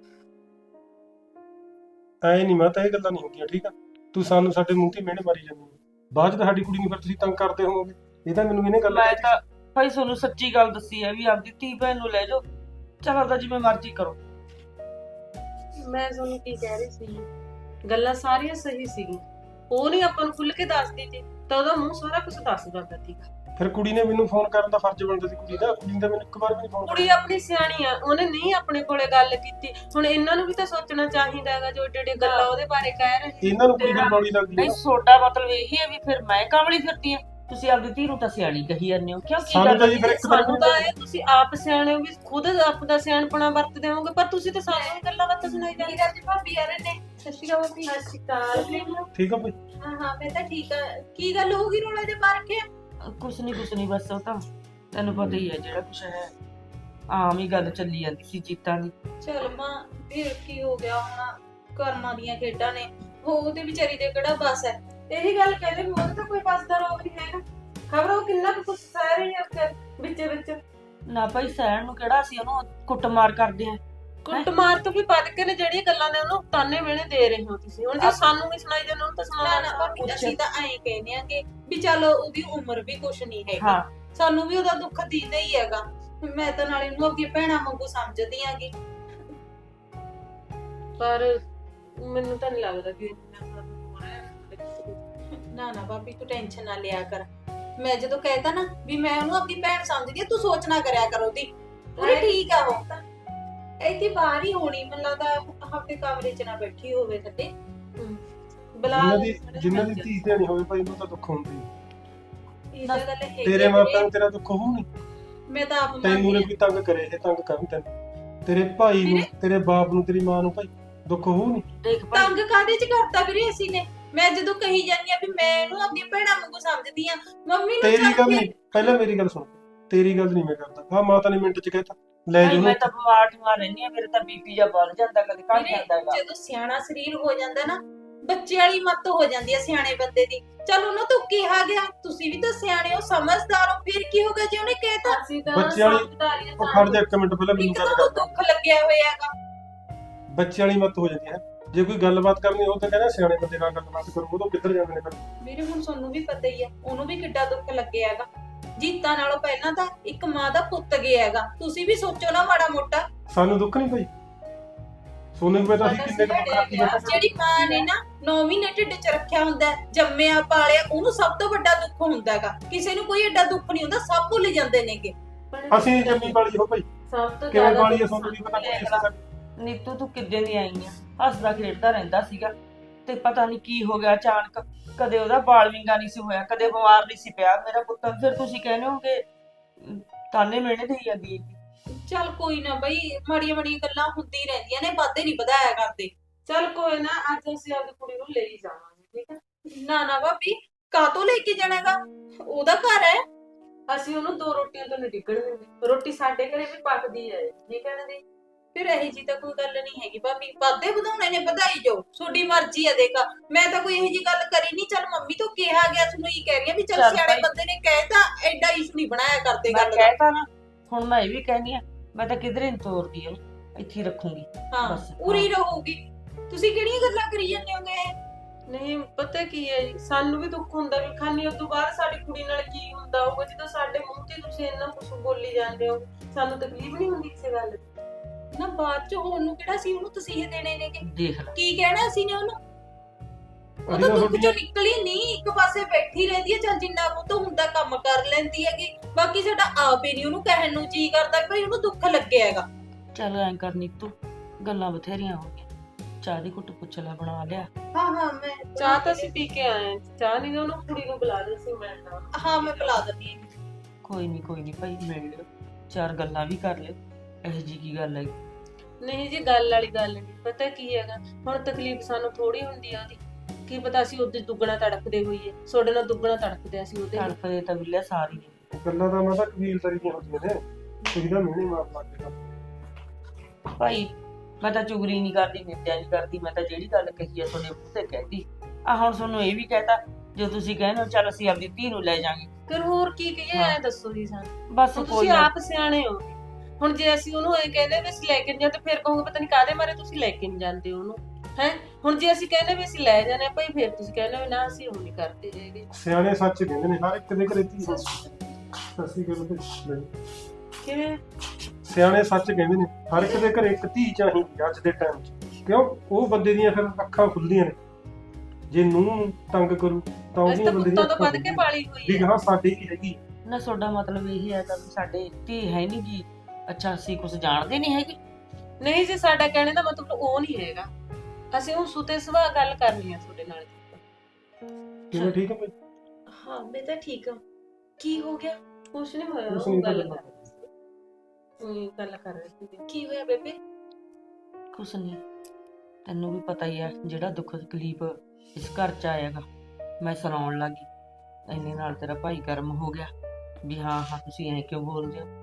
Speaker 4: ਐ ਨਹੀਂ ਮਾਤਾ, ਇਹ ਗੱਲਾਂ ਨਹੀਂ ਹੁੰਦੀਆਂ, ਠੀਕ ਆ? ਤੂੰ ਸਾਨੂੰ ਸਾਡੇ ਮੂੰਹ ਤੇ ਮਿਹਣੇ ਮਾਰੀ ਜਾਂਦੀ ਹੈ, ਬਾਅਦ ਚ ਤਾਂ ਸਾਡੀ ਕੁੜੀ ਨੂੰ ਫਿਰ ਤੁਸੀਂ ਤੰਗ ਕਰਦੇ ਹੋਵੋਗੇ। ਇਹ ਤਾਂ ਮੈਨੂੰ ਇਹਨੇ ਗੱਲ
Speaker 1: ਮੈਂ ਤਾਂ ਭਾਈ ਤੁਹਾਨੂੰ ਸੱਚੀ ਗੱਲ ਦੱਸੀ ਹੈ ਵੀ ਆਪਦੀ ਧੀ ਭੈਣ ਨੂੰ ਲੈ ਜਾਓ, ਚਲ ਆਪਦਾ ਜਿਵੇਂ ਮਰਜ਼ੀ ਕਰੋ।
Speaker 5: ਮੈਂ ਤੁਹਾਨੂੰ ਕੀ ਕਹਿ ਰਹੀ ਸੀ, ਗੱਲਾਂ ਸਾਰੀਆਂ ਸਹੀ ਸੀਗੀਆਂ। ਉਹ ਨਹੀਂ ਆਪਾਂ ਨੂੰ ਖੁੱਲ ਕੇ ਦੱਸਦੀ ਸੀ ਤਾਂ ਉਹਦਾ ਮੂੰਹ ਸਾਰਾ ਕੁਝ ਦੱਸ ਦਿੰਦਾ ਸੀਗਾ।
Speaker 4: ਫਿਰ ਕੁੜੀ ਨੇ ਮੈਨੂੰ ਫੋਨ ਕਰਨ ਦਾ ਫਰਜ਼ ਬਣਦਾ ਸੀ ਕੁੜੀ ਦਾ। ਕੁੜੀ ਨੇ ਤਾਂ ਮੈਨੂੰ ਇੱਕ ਵਾਰ ਵੀ ਨਹੀਂ ਫੋਨ
Speaker 5: ਕੁੜੀ ਆਪਣੀ ਸਿਆਣੀ ਆ, ਉਹਨੇ ਨਹੀਂ ਆਪਣੇ ਕੋਲੇ ਗੱਲ ਕੀਤੀ। ਹੁਣ ਇਹਨਾਂ ਨੂੰ ਵੀ ਤਾਂ ਸੋਚਣਾ ਚਾਹੀਦਾ ਹੈਗਾ, ਜੋ ਏਡੇ ਏਡੇ ਗੱਲਾਂ ਉਹਦੇ ਬਾਰੇ ਕਹਿ ਰਹੇ।
Speaker 4: ਇਹਨਾਂ ਨੂੰ ਕੁੜੀ ਦੀ ਬੌਲੀ ਲੱਗਦੀ
Speaker 1: ਨਹੀਂ
Speaker 4: ਹੈ।
Speaker 1: ਤੁਹਾਡਾ ਮਤਲਬ ਇਹੀ ਹੈ ਵੀ ਫਿਰ ਮੈਂ ਕਾਮਲੀ ਫਿਰਦੀ ਆ? ਤੁਸੀਂ ਆਪਦੀ ਧੀ ਨੂੰ ਤਾਂ ਸਿਆਣੀ ਕਹੀ ਜਾਂਦੇ ਹੋ, ਕਿਉਂ? ਕੀ
Speaker 4: ਸਾਨੂੰ ਤਾਂ ਜੀ ਫਿਰ
Speaker 1: ਗੱਲ?
Speaker 4: ਇੱਕ ਵਾਰ
Speaker 5: ਸਾਨੂੰ ਤਾਂ ਇਹ ਤੁਸੀਂ ਆਪ ਸਿਆਣੇ ਹੋ ਵੀ ਖੁਦ ਆਪਦਾ ਸਿਆਣਪਣਾ ਵਰਤਦੇ ਹੋਵੋਗੇ, ਪਰ ਤੁਸੀਂ ਤਾਂ ਸਾਨੂੰ ਵੀ ਗੱਲਾਂ ਬਾਤਾਂ ਸੁਣਾਈ ਜਾਂਦੇ।
Speaker 6: ਗੱਲ ਜੀ ਭਾਬੀ ਆ ਰਹੇ ਨੇ। ਸਤਿ ਸ਼੍ਰੀ ਅਕਾਲ ਭਾਬੀ।
Speaker 5: ਸਤਿ ਸ਼੍ਰੀ ਅਕਾਲ।
Speaker 4: ਠੀਕ ਆ ਭਾਈ।
Speaker 6: ਹਾਂ ਹਾਂ ਮੈਂ ਤਾਂ ਠੀਕ ਆ। ਕੀ ਗੱਲ ਹੋ ਗਈ ਰੋਲੇ ਦੇ ਮਾਰ ਕੇ?
Speaker 1: ਕੁਛ ਨਹੀਂ ਬਸ ਉਹ ਤਾਂ ਤੈਨੂੰ ਪਤਾ ਹੀ ਹੈ ਜਿਹੜਾ ਕੁਛ ਹੈ ਆਮ ਹੀ ਗੱਲ ਚੱਲੀ ਜਾਂਦੀ ਸੀ ਜੀਤਾਂ ਦੀ।
Speaker 2: ਚਲ ਮਾਂ ਫਿਰ ਕੀ ਹੋ ਗਿਆ ਹੁਣ ਕਰਮਾਂ ਦੀਆਂ ਖੇਡਾਂ ਨੇ ਉਹਦੇ ਵਿਚਾਰੀ ਦੇ ਕਿਹੜਾ ਬਸ ਹੈ। ਇਹੀ ਗੱਲ ਕਹਿੰਦੇ ਵੀ ਉਹਦੇ ਤਾਂ ਕੋਈ ਬਸ ਦਾ ਰੋਗ ਨਹੀਂ ਹੈਗਾ। ਖਬਰ ਉਹ ਕਿੰਨਾ ਕੁ ਕੁਛ ਸਹਿ ਰਹੀ ਹੈ ਉੱਥੇ ਵਿੱਚ
Speaker 1: ਨਾ ਭਾਈ ਸਹਿਣ ਨੂੰ ਕਿਹੜਾ ਸੀ ਉਹਨੂੰ ਕੁੱਟਮਾਰ ਕਰਦੇ ਆ।
Speaker 5: ਕੁੱਟਮਾਰ ਤੋਂ ਵੀ ਵੱਧ ਕੇ ਨੇ ਜਿਹੜੀਆਂ ਗੱਲਾਂ ਨੇ ਉਹਨੂੰ ਤਾਨੇ ਮਿਹਣੇ ਦੇ ਰਹੇ ਹੋ ਤੁਸੀਂ। ਹੁਣ ਜੇ ਸਾਨੂੰ ਨਹੀਂ ਸੁਣਾਈ ਜਾਂਦੇ ਉਹਨੂੰ ਤਾਂ
Speaker 2: ਨਾ ਨਾ
Speaker 5: ਸੁਣਾਉਣਾ
Speaker 2: ਭਾਬੀ ਅਸੀਂ ਤਾਂ ਐਂ ਕਹਿੰਦੇ ਆ ਕਿ ਵੀ ਚਲੋ ਉਹਦੀ ਉਮਰ ਵੀ ਕੁਛ ਨਹੀਂ ਹੈਗੀ।
Speaker 1: ਹਾਂ
Speaker 2: ਸਾਨੂੰ ਵੀ ਉਹਦਾ ਦੁੱਖ ਦੀਦਾ ਹੀ ਹੈਗਾ। ਮੈਂ ਤਾਂ ਨਾਲੇ ਉਹਨੂੰ ਅੱਗੇ ਭੈਣਾਂ ਵਾਂਗੂ ਸਮਝਦੀ ਆਂਗੀ।
Speaker 5: ਪਰ ਮੈਨੂੰ ਤਾਂ ਨਹੀਂ ਲੱਗਦਾ ਕਿ ਇੰਨਾ ਹੋ ਰਿਹਾ।
Speaker 2: ਨਾ ਭਾਬੀ ਤੂੰ ਟੈਨਸ਼ਨ ਨਾ ਲਿਆ ਕਰ। ਮੈਂ ਜਦੋਂ ਕਹਿਤਾ ਨਾ ਵੀ ਮੈਂ ਉਹਨੂੰ ਆਪਣੀ ਭੈਣ ਸਮਝਦੀ ਆ ਤੂੰ ਸੋਚ ਨਾ ਕਰਿਆ ਕਰ ਉਹਦੀ। ਪੂਰੀ ਠੀਕ ਆ ਉਹ ਤਾਂ ਇੱਥੇ ਬਾਹਰ ਹੀ ਹੋਣੀ ਮੈਨੂੰ ਲੱਗਦਾ ਆਪਣੇ ਕਮਰੇ 'ਚ ਨਾ ਬੈਠੀ ਹੋਵੇ ਥੱਲੇ।
Speaker 5: ਬਲਾ
Speaker 4: ਜਿਨ੍ਹਾਂ ਦੀ ਧੀ ਧਿਆਣੀ ਹੋਵੇ ਭਾਈ ਉਹਨੂੰ ਤਾਂ ਦੁੱਖ ਹੁੰਦੀ ਹੈ।
Speaker 2: ਇਹ ਤਾਂ ਗੱਲ ਹੈਗੀ
Speaker 4: ਤੇਰੇ
Speaker 2: ਆ
Speaker 4: ਮਾਪਿਆਂ
Speaker 2: ਵੀਰੇ।
Speaker 4: ਨੂੰ ਤੇਰਾ ਦੁੱਖ ਹੋਊ ਨਹੀਂ?
Speaker 2: ਮੈਂ ਤਾਂ ਆਪ
Speaker 4: ਤੈਨੂੰ
Speaker 2: ਮੰਨਦੀ
Speaker 4: ਵੀ ਤੰਗ ਕਰੇ ਇਹ ਤੰਗ ਕਰਨ ਤੈਨੂੰ ਤੇਰੇ ਭਾਈ ਨੂੰ ਤੇਰੇ ਬਾਪ ਨੂੰ ਤੇਰੀ ਮਾਂ ਨੂੰ ਭਾਈ ਦੁੱਖ ਹੋਊ ਨਹੀਂ?
Speaker 1: ਦੇਖ ਭਾਈ
Speaker 2: ਤੰਗ ਕਾਹਦੇ 'ਚ ਕਰਤਾ ਵੀਰੇ ਅਸੀਂ ਨੇ। ਮੈਂ ਜਦੋਂ ਕਹੀ ਜਾਂਦੀ ਆ ਵੀ ਮੈਂ ਇਹਨੂੰ ਆਪਣੀ ਭੈਣਾਂ ਵਾਂਗੂ ਸਮਝਦੀ ਆ ਮੰਮੀ ਨੂੰ
Speaker 4: ਤੇਰੀ
Speaker 2: ਚੱਲ
Speaker 4: ਗੱਲ
Speaker 2: ਕੇ-
Speaker 4: ਨਹੀਂ, ਪਹਿਲਾਂ ਮੇਰੀ ਗੱਲ ਸੁਣ। ਤੇਰੀ ਗੱਲ ਨਹੀਂ ਮੈਂ ਕਰਦਾ। ਹਾਂ ਮਾਤਾ ਨੇ ਮਿੰਟ ਚ ਕਹਿਤਾ ਲੈ
Speaker 1: ਭਾਈ
Speaker 4: ਜਾਓ
Speaker 1: ਮੈਂ ਤਾਂ ਬਿਮਾਰ ਠਮਾਰ ਰਹਿੰਦੀ ਆ ਮੇਰੇ ਤਾਂ ਬੀਪੀ ਜਾਂ ਵੱਧ ਜਾਂਦਾ ਕਦੇ ਘਟ
Speaker 2: ਵੀਰੇ,
Speaker 1: ਜਾਂਦਾ ਹੈਗਾ।
Speaker 2: ਜਦੋਂ ਸਿਆਣਾ ਸਰੀਰ ਹੋ ਜਾਂਦਾ ਨਾ ਬੱਚੇ ਵਾਲੀ ਮੱਤ ਹੋ ਜਾਂਦੀ ਆ ਸਿਆਣੇ ਬੰਦੇ ਦੀ। ਚਲ ਉਹਨੂੰ ਤਾਂ ਕਿਹਾ ਗਿਆ ਤੁਸੀਂ ਵੀ ਤਾਂ ਸਿਆਣੇ ਹੋ ਸਮਝਦਾਰ ਹੋ ਫਿਰ ਕੀ ਹੋ ਗਿਆ ਜੇ ਉਹਨੇ ਕਹਿਤਾ।
Speaker 5: ਅਸੀਂ ਤਾਂ
Speaker 4: ਬੱਚੇ ਵਾਲੀ-
Speaker 5: ਸਮਝਦਾਰੀਆਂ
Speaker 4: ਉਹ ਖੜ ਜਾ ਇੱਕ ਮਿੰਟ ਪਹਿਲਾਂ ਮੈਨੂੰ
Speaker 2: ਇੱਕ
Speaker 4: ਗੱਲ
Speaker 2: ਤਾਂ
Speaker 4: ਕਰ।
Speaker 2: ਉਹਨੂੰ ਦੁੱਖ ਲੱਗਿਆ ਹੋਇਆਗਾ।
Speaker 4: ਬੱਚੇ ਵਾਲੀ ਮਤ ਹੋ ਜਾਂਦੀ ਹੈ। ਜੇ ਕੋਈ ਗੱਲਬਾਤ ਕਰਨੀ ਉਹ ਤਾਂ ਕਹਿੰਦਾ ਸਿਆਣੇ ਬੰਦੇ ਨਾਲ ਗੱਲਬਾਤ ਕਰੋ। ਉਹ ਤਾਂ ਕਿੱਧਰ ਜਾਂਦੇ ਨੇ ਫਿਰ।
Speaker 2: ਵੀਰੇ ਹੁਣ ਤੁਹਾਨੂੰ ਵੀ ਪਤਾ ਹੀ ਆ ਉਹਨੂੰ ਵੀ ਕਿੱਡਾ ਦੁੱਖ ਲੱਗਿਆ ਹੈਗਾ। ਜੀਤਾਂ ਨਾਲੋਂ ਪਹਿਲਾਂ ਤਾਂ ਇੱਕ ਮਾਂ ਦਾ ਪੁੱਤ ਗਿਆ ਹੈਗਾ। ਤੁਸੀਂ ਵੀ ਸੋਚੋ ਨਾ ਮਾੜਾ ਮੋਟਾ।
Speaker 4: ਸਾਨੂੰ ਦੁੱਖ ਨਹੀਂ ਭਾਈ। ਸੋਨੇ ਨੂੰ ਪਤਾ ਸੀ ਕਿੰਨੇ ਕੁ ਦੁੱਖ ਰੱਖੀ ਬੈਠਾ।
Speaker 2: ਜਿਹੜੀ ਮਾਂ ਨੇ ਨਾ 9 ਮਹੀਨੇ ਢਿੱਡ 'ਚ ਰੱਖਿਆ ਹੁੰਦਾ ਹੈ, ਜੰਮਿਆ ਪਾਲਿਆ ਉਹਨੂੰ ਸਭ ਤੋਂ ਵੱਡਾ ਦੁੱਖ ਹੁੰਦਾ ਹੈਗਾ। ਕਿਸੇ ਨੂੰ ਕੋਈ ਐਡਾ ਦੁੱਖ ਨਹੀਂ ਹੁੰਦਾ ਸਭ ਭੁੱਲ ਜਾਂਦੇ ਨੇਗੇ।
Speaker 4: ਅਸੀਂ ਨੀ ਜੰਮੀ ਵਾਲੀ ਹੋ ਭਾਈ।
Speaker 5: ਸਭ ਤੋਂ
Speaker 4: ਕਿਵੇਂ
Speaker 5: ਜ਼ਿਆਦਾ
Speaker 4: ਵਾਲੀ ਹੈ
Speaker 5: ਦੁੱਖ
Speaker 4: ਸਾਨੂੰ ਨਹੀਂ ਪਤਾ ਕੋਈ ਕਿਸੇ ਦਾ।
Speaker 1: ਨੀਤੂ ਤੂੰ ਕਿੱਦਾਂ ਦੀ ਆਈ ਆ ਹੱਸਦਾ ਖੇਡਦਾ ਰਹਿੰਦਾ ਸੀਗਾ ਤੇ ਪਤਾ ਨਹੀਂ ਕੀ ਹੋ ਗਿਆ ਅਚਾਨਕ। ਕਦੇ ਉਹਦਾ ਬਾਲ ਵਿੰਗਾ ਨਹੀਂ ਸੀ ਹੋਇਆ ਕਦੇ ਬਿਮਾਰ ਨਹੀਂ ਸੀ ਪਿਆ ਮੇਰਾ ਪੁੱਤ। ਫਿਰ ਤੁਸੀਂ ਕਹਿੰਦੇ ਹੋ ਕਿ ਤਾਨੇ ਮਿਹਣੇ ਦੇਈ ਜਾਂਦੀ ਹੈ।
Speaker 2: ਚੱਲ ਕੋਈ ਨਾ ਬਈ ਮਾੜੀਆਂ ਮਾੜੀਆਂ ਗੱਲਾਂ ਹੁੰਦੀ ਰਹਿੰਦੀਆਂ ਨੇ ਵਾਧੇ ਨਹੀਂ ਵਧਾਇਆ ਕਰਦੇ।
Speaker 5: ਚੱਲ ਕੋਈ ਨਾ ਅੱਜ ਅਸੀਂ ਆਪਣੀ ਕੁੜੀ ਨੂੰ ਲੈ ਹੀ ਜਾਵਾਂਗੇ ਠੀਕ ਹੈ।
Speaker 2: ਨਾ ਭਾਬੀ ਕਾਹਤੋਂ ਲੈ ਕੇ ਜਾਣਾਗਾ ਉਹਦਾ ਘਰ ਹੈ।
Speaker 5: ਅਸੀਂ ਉਹਨੂੰ 2 ਰੋਟੀਆਂ ਤੋਂ ਨਹੀਂ ਡਿੱਗਣ ਦਿੰਦੇ। ਰੋਟੀ ਸਾਡੇ ਘਰੇ ਵੀ ਪੱਕਦੀ ਹੈ ਠੀਕ ਹੈ ਨਾ ਦੀ।
Speaker 2: ਫਿਰ ਇਹੀ ਜੀ ਤਾਂ ਕੋਈ ਗੱਲ ਨਹੀਂ ਹੈਗੀ ਭਾਬੀ। ਵਾਧੇ ਵਧਾਉਣੇ ਨੇ ਵਧਾਈ ਜਾਓ ਤੁਹਾਡੀ ਮਰਜ਼ੀ ਹੈ। ਦੇਖਾ ਮੈਂ ਤਾਂ ਕੋਈ ਇਹੋ ਜੀ ਗੱਲ ਕਰੀ ਨਹੀਂ। ਚੱਲ ਮੰਮੀ ਤੋਂ ਕਿਹਾ ਗਿਆ ਤੁਹਾਨੂੰ ਇਹ ਕਹਿ ਰਹੀ ਆ ਵੀ ਚੱਲ
Speaker 1: ਚੱਲ
Speaker 2: ਸਿਆਣੇ
Speaker 1: ਭਾਈ।
Speaker 2: ਬੰਦੇ ਨੇ ਕਹਿਤਾ ਐਡਾ ਇਸ਼ੂ ਨਹੀਂ ਬਣਾਇਆ ਕਰਦੇ
Speaker 1: ਮੈਂ
Speaker 2: ਗੱਲ ਦਾ।
Speaker 1: ਕਹਿਤਾ ਨਾ ਹੁਣ ਮੈਂ ਇਹ ਵੀ ਕਹਿੰਦੀ ਆ ਮੈਂ ਤਾਂ ਕਿਧਰੇ ਨਹੀਂ ਤੋਰਦੀ ਉਹਨੂੰ ਇੱਥੇ ਹੀ ਰੱਖੂੰਗੀ।
Speaker 2: ਹਾਂ
Speaker 1: ਬਸ,
Speaker 2: ਉਰੀ ਰਹੂਗੀ। ਤੁਸੀਂ ਕਿਹੜੀਆਂ ਗੱਲਾਂ ਕਰੀ ਜਾਂਦੇ ਹੋਗੇ।
Speaker 5: ਨਹੀਂ ਪਤਾ ਕੀ ਹੈ ਜੀ, ਸਾਨੂੰ ਵੀ ਦੁੱਖ ਹੁੰਦਾ ਵੀ ਖਾਨੀ ਉਸ ਤੋਂ ਬਾਅਦ ਸਾਡੀ ਕੁੜੀ ਨਾਲ ਕੀ ਹੁੰਦਾ ਹੋਊਗਾ। ਜਦੋਂ ਸਾਡੇ ਮੂੰਹ ਤੇ ਤੁਸੀਂ ਇੰਨਾ ਕੁਝ ਬੋਲੀ ਜਾਂਦੇ ਹੋ ਸਾਨੂੰ ਤਕਲੀਫ ਨਹੀਂ ਹੁੰਦੀ ਕਿਸੇ ਗੱਲ ਦੀ?
Speaker 2: ਨਾ ਬਾਅਦ ਚ ਹੋਣ ਨੂੰ ਕਿਹੜਾ ਸੀ ਉਹਨੂੰ ਤਸੀਹੇ ਦੇਣੇ ਨੇਗੇ।
Speaker 1: ਦੇਖ ਲੈ
Speaker 2: ਕੀ ਕਹਿਣਾ ਸੀ ਨੇ ਉਹਨੂੰ। ਉਹ
Speaker 4: ਅਸੀਂ
Speaker 2: ਤਾਂ
Speaker 4: ਤਾਂ
Speaker 2: ਦੁੱਖ
Speaker 4: ਤੁਹਾਡੀ-
Speaker 2: ਚੋਂ ਨਿਕਲੀ ਨਹੀਂ ਇੱਕ ਪਾਸੇ ਬੈਠੀ ਰਹਿੰਦੀ ਹੈ। ਚੱਲ ਜਿੰਨਾ ਕੁ ਤੋਂ ਹੁੰਦਾ ਕੰਮ ਕਰ ਲੈਂਦੀ ਹੈਗੀ। ਬਾਕੀ ਸਾਡਾ ਆਪ ਹੀ ਨਹੀਂ ਉਹਨੂੰ ਕਹਿਣ ਨੂੰ ਜੀ ਕਰਦਾ ਕਿ ਭਈ ਉਹਨੂੰ ਦੁੱਖ ਲੱਗਿਆ ਹੈਗਾ।
Speaker 1: ਚੱਲ ਐਂ ਕਰ ਨੀਤੂ ਗੱਲਾਂ ਬਥੇਰੀਆਂ ਹੋ ਗਈਆਂ ਚਾਹ ਦੀ ਘੁੱਟ ਪੁੱਛ ਲੈ ਬਣਾ ਲਿਆ।
Speaker 2: ਹਾਂ ਮੈਂ
Speaker 5: ਚਾਹ ਤਾਂ ਅਸੀਂ ਪੀ ਕੇ ਆਏ ਹਾਂ। ਚਾਹ ਨਹੀਂ ਉਹਨੂੰ ਕੁੜੀ ਨੂੰ ਬੁਲਾ ਦੇ ਸੀ ਮੈਂ ਨਾ।
Speaker 2: ਹਾਂ ਮੈਂ ਪਿਲਾ ਦਿੰਦੀ ਹਾਂ।
Speaker 1: ਕੋਈ ਨਹੀਂ ਭਾਈ ਮਿਲ ਲਿਓ ਚਾਰ ਗੱਲਾਂ ਵੀ ਕਰ ਲਿਓ ਇਹੋ ਜੀ ਕੀ ਗੱਲ ਹੈ।
Speaker 5: ਨਹੀਂ ਜੀ ਗੱਲ ਵਾਲੀ ਗੱਲ ਨਹੀਂ। ਪਤਾ ਕੀ ਹੈਗਾ ਹੁਣ ਤਕਲੀਫ ਸਾਨੂੰ ਥੋੜੀ ਹੁੰਦੀ ਆ ਉਹਦੀ। ਕੀ ਪਤਾ ਅਸੀਂ ਉਹਦੇ ਦੁੱਗਣਾ ਤੜਕਦੇ ਹੋਈਏ। ਤੁਹਾਡੇ ਨਾਲ ਦੁੱਗਣਾ ਤੜਕਦੇ ਅਸੀਂ ਉਹਦੇ ਨਾਲ।
Speaker 1: ਤੜਫਦੇ ਤਾਂ ਮਿਲਿਆ ਸਾਰੀ ਨੇ।
Speaker 4: ਗੱਲਾਂ ਤਾਂ ਮੈਂ ਤਾਂ ਕਬੀਲਦਾਰੀ ਦੀਆਂ ਹੁੰਦੀਆਂ ਨੇ। ਤੁਸੀਂ ਤਾਂ ਮਿਹਣੇ ਮਾਰ ਲੱਗ ਗਏ।
Speaker 1: ਭਾਈ ਮੈਂ ਤਾਂ ਚੁਗਲੀ ਨਹੀਂ ਕਰਦੀ ਨਿੰਦਿਆ ਨਹੀਂ ਕਰਦੀ। ਮੈਂ ਤਾਂ ਜਿਹੜੀ ਗੱਲ ਕਹੀ ਆ ਤੁਹਾਡੇ ਮੂੰਹ ਤੇ ਕਹਿਤੀ ਆ। ਹੁਣ ਤੁਹਾਨੂੰ ਇਹ ਵੀ ਕਹਿਤਾ ਜੋ ਤੁਸੀਂ ਕਹਿੰਦੇ ਹੋ ਚੱਲ ਅਸੀਂ ਆਪਣੀ ਧੀ ਨੂੰ ਲੈ ਜਾਾਂਗੇ।
Speaker 5: ਫਿਰ ਹੋਰ ਕੀ ਕਹੀਏ
Speaker 1: ਹਾਂ।
Speaker 5: ਐ ਦੱਸੋ ਜੀ ਸਾਨੂੰ।
Speaker 1: ਬਸ
Speaker 5: ਹੁਣ
Speaker 1: ਕੋਈ
Speaker 5: ਤੁਸੀਂ
Speaker 1: ਨਾ
Speaker 5: ਆਪ ਸਿਆਣੇ ਹੋ। ਹੁਣ ਜੇ ਅਸੀਂ ਉਹਨੂੰ ਇਹ ਕਹਿੰਦੇ ਵੀ ਅਸੀਂ ਲੈ ਕੇ ਨਹੀਂ ਜਾਂਦੇ ਫਿਰ ਕਹੋਗੇ ਪਤਾ ਨਹੀਂ ਕਾਹਦੇ ਮਾਰੇ ਤੁਸੀਂ ਲੈ ਕੇ ਨਹੀਂ ਜਾਂਦੇ ਉਹਨੂੰ ਹੈ। ਹੁਣ ਜੇ ਅਸੀਂ ਕਹਿੰਦੇ ਵੀ ਅਸੀਂ ਲੈ ਜਾਣੇ ਭਾਈ ਫਿਰ ਤੁਸੀਂ ਕਹਿੰਦੇ ਵੀ ਨਾ ਅਸੀਂ ਉਹ ਨਹੀਂ ਕਰਦੇ ਹੈਗੇ।
Speaker 4: ਸਿਆਣੇ ਸੱਚ ਕਹਿੰਦੇ ਨੇ ਹਰ ਇੱਕ ਦੇ ਘਰੇ ਧੀ ਹੁੰਦੀ ਹੈ। ਅਸੀਂ ਕਹਿੰਦੇ ਤੇ
Speaker 5: ਕਿਵੇਂ?
Speaker 4: ਸਿਆਣੇ ਸੱਚ ਕਹਿੰਦੇ ਨੇ ਹਰ ਇੱਕ ਦੇ ਘਰੇ ਇੱਕ ਧੀ ਚਾਹੀਦੀ ਅੱਜ ਦੇ ਟਾਈਮ 'ਚ। ਕਿਉਂ ਉਹ ਬੰਦੇ ਦੀਆਂ ਫਿਰ ਅੱਖਾਂ ਖੁੱਲਦੀਆਂ ਨੇ। ਜੇ ਨੂੰਹ ਤੰਗ ਕਰੂ ਤਾਂ
Speaker 5: ਅਸੀਂ
Speaker 4: ਉਹਦੀਆਂ
Speaker 5: ਤਾਂ
Speaker 4: ਬੰਦੇ
Speaker 5: ਕੁੱਤੋਂ
Speaker 4: ਦੀਆਂ
Speaker 5: ਤੋਂ
Speaker 4: ਅੱਖਾਂ
Speaker 5: ਵੱਧ ਕੇ ਪਾਲੀ ਹੋਈ
Speaker 4: ਵੀ
Speaker 5: ਹੈ।
Speaker 4: ਹਾਂ ਸਾਡੀ ਵੀ ਹੈਗੀ।
Speaker 1: ਨਾ ਤੁਹਾਡਾ ਮਤਲਬ ਇਹ ਹੈ ਤਾਂ ਵੀ ਸਾਡੇ ਧੀ ਹੈ ਨਹੀਂ ਗੀ। ਅੱਛਾ ਅਸੀਂ ਕੁਝ ਜਾਣਦੇ ਨਹੀਂ ਹੈਗੇ।
Speaker 5: ਨਹੀਂ ਜੀ ਸਾਡਾ ਕਹਿਣੇ ਦਾ ਮਤਲਬ ਉਹ ਨਹੀਂ ਹੈਗਾ। ਅਸੀਂ ਉਹ ਸੁਤੇ ਸੁਭਾ ਗੱਲ ਕਰਨੀ ਆ ਤੁਹਾਡੇ ਨਾਲ।
Speaker 4: ਕਿਵੇਂ ਠੀਕ ਹੈ ਭਾਈ?
Speaker 2: ਹਾਂ ਮੈਂ ਤਾਂ ਠੀਕ ਹਾਂ। ਕੀ ਹੋ ਗਿਆ?
Speaker 5: ਕੁਛ ਨਹੀਂ ਹੋਇਆ।
Speaker 4: ਕੁਛ
Speaker 5: ਉਹ
Speaker 4: ਨਹੀਂ
Speaker 5: ਗੱਲ
Speaker 4: ਹੋਇਆ।
Speaker 5: ਕਰ ਰਹੀ ਸੀ। ਉਹੀ ਗੱਲ ਕਰ ਰਹੀ ਸੀ।
Speaker 2: ਕੀ ਹੋਇਆ ਬੇਬੇ?
Speaker 1: ਕੁਛ ਨਹੀਂ ਤੈਨੂੰ ਵੀ ਪਤਾ ਹੀ ਹੈ ਜਿਹੜਾ ਦੁੱਖ ਤਕਲੀਫ ਇਸ ਘਰ ਚ ਆਏਗਾ ਮੈਂ ਸੁਣਾਉਣ ਲੱਗੀ ਇੰਨੇ ਨਾਲ ਤੇਰਾ ਭਾਈ ਕਰਮ ਹੋ ਗਿਆ ਵੀ ਹਾਂ ਹਾਂ ਤੁਸੀਂ ਐਂ ਕਿਉਂ ਬੋਲਦੇ ਹੋ।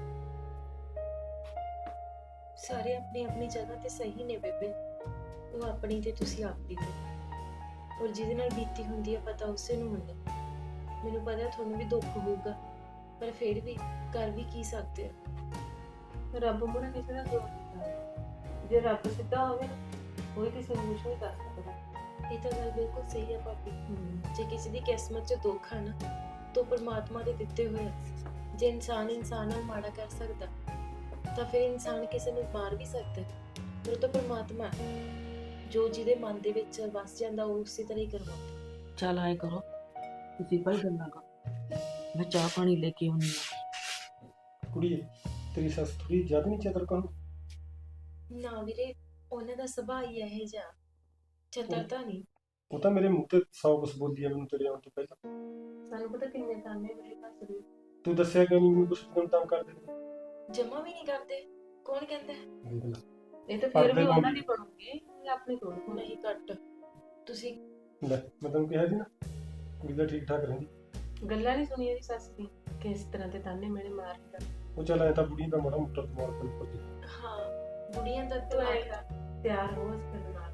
Speaker 3: ਸਾਰੇ ਆਪਣੀ ਆਪਣੀ ਜਗ੍ਹਾ ਤੇ ਸਹੀ ਨੇ ਬੇਬੇ, ਉਹ ਆਪਣੀ ਤੇ ਤੁਸੀਂ ਆਪਦੀ ਤੇ। ਔਰ ਜਿਹਦੇ ਨਾਲ ਬੀਤੀ ਹੁੰਦੀ ਹੈ ਪਤਾ ਉਸੇ ਨੂੰ ਹੁੰਦਾ। ਮੈਨੂੰ ਪਤਾ ਤੁਹਾਨੂੰ ਵੀ ਦੁੱਖ ਹੋਊਗਾ, ਪਰ ਫਿਰ ਵੀ ਕਰ ਵੀ ਕੀ ਸਕਦੇ ਆ।
Speaker 5: ਰੱਬ ਮੁੜ ਕਿਸੇ ਦਾ ਦੋਸ਼ ਨਹੀਂ ਕਰਦਾ। ਜੇ ਰੱਬ ਸਿੱਧਾ ਹੋਵੇ ਨਾ, ਕੋਈ ਕਿਸੇ ਨੂੰ ਕੁਛ ਨਹੀਂ ਕਰ ਸਕਦਾ।
Speaker 3: ਇਹ ਤਾਂ ਗੱਲ ਬਿਲਕੁਲ ਸਹੀ ਹੈ ਭਾਬੀ। ਜੇ ਕਿਸੇ ਦੀ ਕਿਸਮਤ 'ਚ ਦੁੱਖ ਹੈ ਨਾ, ਤਾਂ ਪਰਮਾਤਮਾ ਦੇ ਦਿੱਤੇ ਹੋਏ ਆ। ਜੇ ਇਨਸਾਨ ਨਾਲ ਮਾੜਾ ਕਰ ਸਕਦਾ, ਤਾਂ ਫਿਰ ਇਨਸਾਨ ਕਿਸੇ ਨੂੰ ਮਾਰ ਵੀ ਸਕਦਾ। ਪਰ ਉਹ ਤਾਂ ਪਰਮਾਤਮਾ ਹੈ, ਜੋ ਜਿਹਦੇ ਮਨ ਦੇ ਵਿੱਚ ਵਸ ਜਾਂਦਾ ਉਹ ਉਸੇ ਤਰ੍ਹਾਂ ਹੀ ਕਰਵਾਉਂਦਾ।
Speaker 1: ਚੱਲ ਐਂ ਕਰੋ, ਤੁਸੀਂ ਭਾਈ ਗੱਲਾਂ ਕਰੋ, ਮੈਂ ਚਾਹ ਪਾਣੀ ਲੈ ਕੇ ਆਉਂਦੀ ਹਾਂ।
Speaker 4: ਕੁੜੀਏ, ਤੇਰੀ ਸੱਸ ਥੋੜੀ ਜ਼ਿਆਦਾ ਨਹੀਂ ਚਤਰ ਕੌਣ?
Speaker 3: ਨਾ ਵੀਰੇ, ਉਹਨਾਂ ਦਾ ਸੁਭਾਅ ਹੀ ਇਹੋ ਜਿਹਾ, ਚਤਰਤਾ ਨਹੀਂ।
Speaker 4: ਉਹ ਤਾਂ ਮੇਰੇ ਮੂੰਹ ਤੇ 100 ਕੁਛ ਬੋਲਦੀ ਆ ਮੈਨੂੰ ਤੇਰੇ ਆਉਣ ਤੋਂ ਪਹਿਲਾਂ।
Speaker 5: ਸਾਨੂੰ ਪਤਾ ਕਿੰਨੇ ਤਾਨੇ ਮੇਰੇ ਘਰ ਦੇ।
Speaker 4: ਤੂੰ ਦੱਸਿਆ ਕਿਉਂ ਨਹੀਂ ਮੈਨੂੰ ਕੁਛ ਦਿਨ ਤੰਗ ਕਰਦੇ ਨੇ?
Speaker 3: ਜਮਾ ਵੀ ਨਹੀਂ ਕਰਦੇ। ਕੌਣ ਕਹਿੰਦਾ ਹੈ?
Speaker 4: ਦੇਖ ਲੈ,
Speaker 5: ਇਹ ਤਾਂ ਫਿਰ ਵੀ ਉਹਨਾਂ ਦੀ ਬਣੂਗੀ, ਇਹ ਆਪਣੀ ਥੋੜੀ ਹੋਣੀ।
Speaker 3: ਨਹੀਂ ਘੱਟ। ਤੁਸੀਂ
Speaker 4: ਲੈ ਮੈਂ ਤੈਨੂੰ ਕਿਹਾ ਸੀ ਨਾ, ਕੁੜੀ ਦਾ ਠੀਕ ਠਾਕ ਰਹਿੰਦੀ।
Speaker 5: ਗੱਲਾਂ ਨਹੀਂ ਸੁਣੀਆਂ ਦੀ ਸੱਸ ਦੀ, ਕਿਸ ਤਰ੍ਹਾਂ ਦੇ ਤਾਨੇ ਮੇਰੇ ਮਾਰਦਾ।
Speaker 4: ਉਹ ਚੱਲ ਐ ਤਾਂ ਬੁੜੀ ਦਾ ਮਾੜਾ ਮੋਟਾ ਦਿਮਾਗ ਕੋਲ ਪੱਜੀ।
Speaker 3: ਹਾਂ, ਬੁੜੀਆਂ ਦਾ
Speaker 5: ਤੂੰ ਐਂ
Speaker 3: ਦਿਮਾਗ।
Speaker 5: ਕਰ, ਤਿਆਰ ਹੋ ਇਸ ਫਿਰ ਨਾਲ।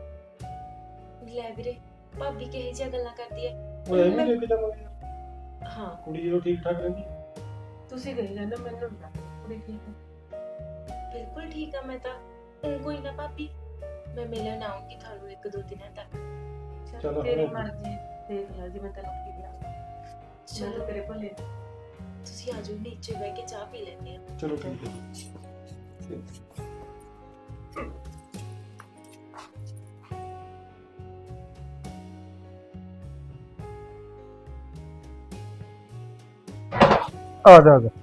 Speaker 3: ਲੈ ਵੀਰੇ, ਭਾਬੀ ਕਿਹੋ ਜਿਹੀਆਂ ਗੱਲਾਂ ਕਰਦੀ ਹੈ।
Speaker 4: ਉਹ ਐਵੇਂ ਲੈ ਕੇ ਜਾਵਾਂਗੇ ਯਾਰ,
Speaker 3: ਹਾਂ,
Speaker 4: ਕੁੜੀ ਜਦੋਂ ਠੀਕ ਠਾਕ ਰਹਿੰਦੀ।
Speaker 5: ਤੁਸੀਂ ਕਹੀ ਜਾਂਦੇ ਮੈਨੂੰ ਨਹੀਂ ਲੱਗਦਾ ਕੁੜੀ ਠੀਕ ਹੈ।
Speaker 3: ਬਿਲਕੁਲ ਠੀਕ ਆ ਮੈਂ ਤਾਂ। ਹੁਣ ਕੋਈ ਨਾ ਭਾਬੀ, ਮੈਂ ਮਿਲਣ ਆਉਂਗੀ ਤੁਹਾਨੂੰ 1-2 ਦਿਨਾਂ ਤੱਕ।
Speaker 4: ਚਲੋ
Speaker 5: ਤੇਰੀ
Speaker 4: ਹੁਣ।
Speaker 5: ਮਰਜ਼ੀ, ਦੇਖ ਲੈ ਜਿਵੇਂ ਤੈਨੂੰ ਠੀਕ ਲੱਗਦਾ। ਮੈਂ
Speaker 3: ਚਲੋ
Speaker 5: ਤਾਂ ਤੇਰੇ ਭਲੇ।
Speaker 3: ਤੁਸੀਂ ਆ ਜਾਓ, ਨੀਚੇ ਬਹਿ ਕੇ ਚਾਹ ਪੀ ਲੈਂਦੇ ਆ।
Speaker 4: ਚਲੋ ਠੀਕ ਹੈ। ਆ ਜਾ ਆ ਜਾ।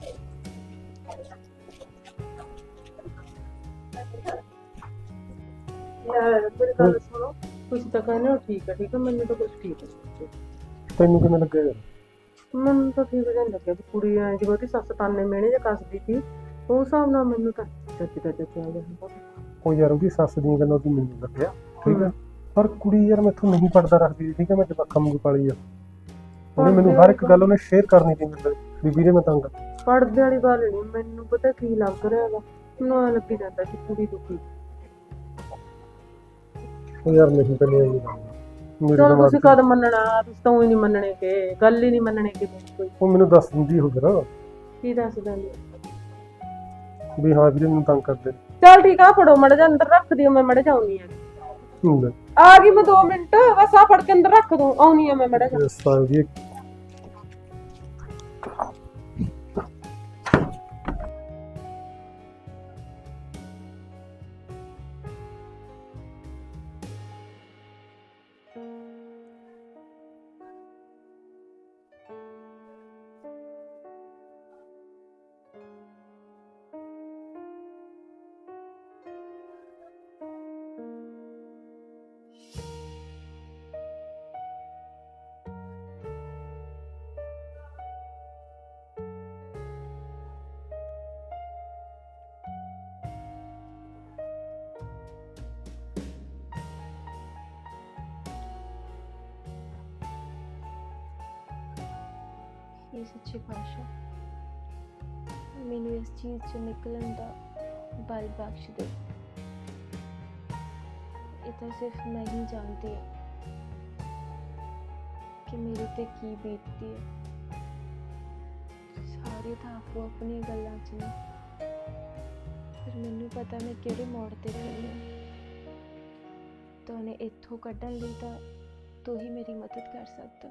Speaker 5: ਮੇਰੀ ਗੱਲ ਸੁਣੋ, ਤੁਸੀਂ ਤਾਂ ਕਹਿੰਦੇ ਹੋ ਠੀਕ ਹੈ ਠੀਕ ਹੈ, ਮੈਨੂੰ ਤਾਂ ਕੁਝ ਠੀਕ ਹੈ।
Speaker 4: ਤੈਨੂੰ ਕਿਵੇਂ ਲੱਗਿਆ ਯਾਰ?
Speaker 5: ਮੈਨੂੰ ਤਾਂ ਠੀਕ ਜਿਹਾ ਨੀ ਲੱਗਿਆ ਵੀ ਕੁੜੀ ਐਂ ਜਿਵੇਂ ਉਹਦੀ ਸੱਸ ਤਾਨੇ ਮਿਹਣੇ ਜੇ ਕੱਸਦੀ ਸੀ, ਉਸ ਹਿਸਾਬ ਨਾਲ ਮੈਨੂੰ ਤਾਂ ਚੱਜ ਆ ਗਿਆ।
Speaker 4: ਉਹ ਯਾਰ ਉਹਦੀ ਸੱਸ ਦੀਆਂ ਗੱਲਾਂ ਤੋਂ ਮੈਨੂੰ ਲੱਗਿਆ ਠੀਕ ਹੈ, ਪਰ ਕੁੜੀ ਯਾਰ ਮੈਥੋਂ ਨਹੀਂ ਪੜਦਾ ਰੱਖਦੀ ਠੀਕ ਹੈ। ਮੈਂ ਜਵਾਕਾਂ ਵਾਂਗੂ ਪਾਲੀ ਆ, ਉਹਨੇ ਮੈਨੂੰ ਹਰ ਇੱਕ ਗੱਲ ਉਹਨੇ ਸ਼ੇਅਰ ਕਰਨੀ ਸੀ ਮੇਰੇ ਵੀ ਵੀਰੇ ਮੈਂ ਤੰਗ।
Speaker 5: ਪੜਦੇ ਵਾਲੀ ਗੱਲ ਨਹੀਂ, ਮੈਨੂੰ ਪਤਾ ਕੀ ਲੱਗ ਰਿਹਾ ਹੈਗਾ, ਮੈਨੂੰ ਐਂ ਲੱਗੀ ਜਾਂਦਾ ਕਿ ਕੁੜੀ ਦੁਖੀ।
Speaker 4: ਉਹ ਯਾਰ ਨਹੀਂ ਕਰਨੀ ਇਹ ਗੱਲ ਮੇਰੇ
Speaker 5: ਚਲੋ
Speaker 4: ਦਿਮਾਗ
Speaker 5: ਤੁਸੀਂ
Speaker 4: 'ਚ।
Speaker 5: ਕਦ ਮੰਨਣਾ, ਤੁਸੀਂ ਤਾਂ ਹੀ ਨਹੀਂ ਮੰਨਣੇ ਕਿ ਗੱਲ ਹੀ ਨਹੀਂ ਮੰਨਣੇ ਕਿ ਕੋਈ।
Speaker 4: ਉਹ ਮੈਨੂੰ ਦੱਸ ਦਿੰਦੀ ਹੋ ਫਿਰ
Speaker 5: ਕੀ ਦੱਸ ਦਿੰਦੀ?
Speaker 4: ਵੀ ਹਾਂ ਵੀਰੇ ਮੈਨੂੰ ਤੰਗ ਕਰਦੇ ਨੇ।
Speaker 5: ਚਲ ਠੀਕ ਆ, ਫੜੋ ਮੜ ਜਾ ਅੰਦਰ ਰੱਖ ਦਿਓ, ਮੈਂ ਮੜ ਜਾਉਣੀ ਆ।
Speaker 4: ਹੁੰਦਾ
Speaker 5: ਆ ਗਈ ਮੈਂ 2 ਮਿੰਟ, ਬਸ ਆ ਫੜ ਕੇ ਅੰਦਰ ਰੱਖ ਦੂੰ, ਆਉਣੀ ਆ ਮੈਂ ਮੜ ਜਾ।
Speaker 4: ਇਸ ਸਾਲ ਦੀ
Speaker 7: ਇਹ ਸੱਚੇ ਪਾਤਸ਼ਾਹ ਮੈਨੂੰ ਇਸ ਚੀਜ਼ 'ਚ ਨਿਕਲਣ ਦਾ ਬਲ ਬਖਸ਼ ਦੇ। ਇਹ ਤਾਂ ਸਿਰਫ ਮੈਂ ਹੀ ਜਾਣਦੀ ਹਾਂ ਕਿ ਮੇਰੇ ਤੇ ਕੀ ਬੀਤਦੀ ਹੈ। ਸਾਰੇ ਤਾਂ ਆਪੋ ਆਪਣੀ ਗੱਲਾਂ 'ਚ ਨੇ, ਪਰ ਮੈਨੂੰ ਪਤਾ ਮੈਂ ਕਿਹੜੇ ਮੋੜ ਤੇ ਖੜੀ ਹਾਂ। ਤੁਹਾਨੂੰ ਇੱਥੋਂ ਕੱਢਣ ਲਈ ਤਾਂ ਤੂੰ ਹੀ ਮੇਰੀ ਮਦਦ ਕਰ ਸਕਦਾ,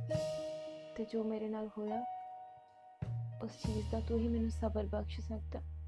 Speaker 7: ਤੇ ਜੋ ਮੇਰੇ ਨਾਲ ਹੋਇਆ ਉਸ ਚੀਜ਼ ਦਾ ਤੂੰ ਹੀ ਮੈਨੂੰ ਸਬਰ ਬਖਸ਼ ਸਕਦਾ।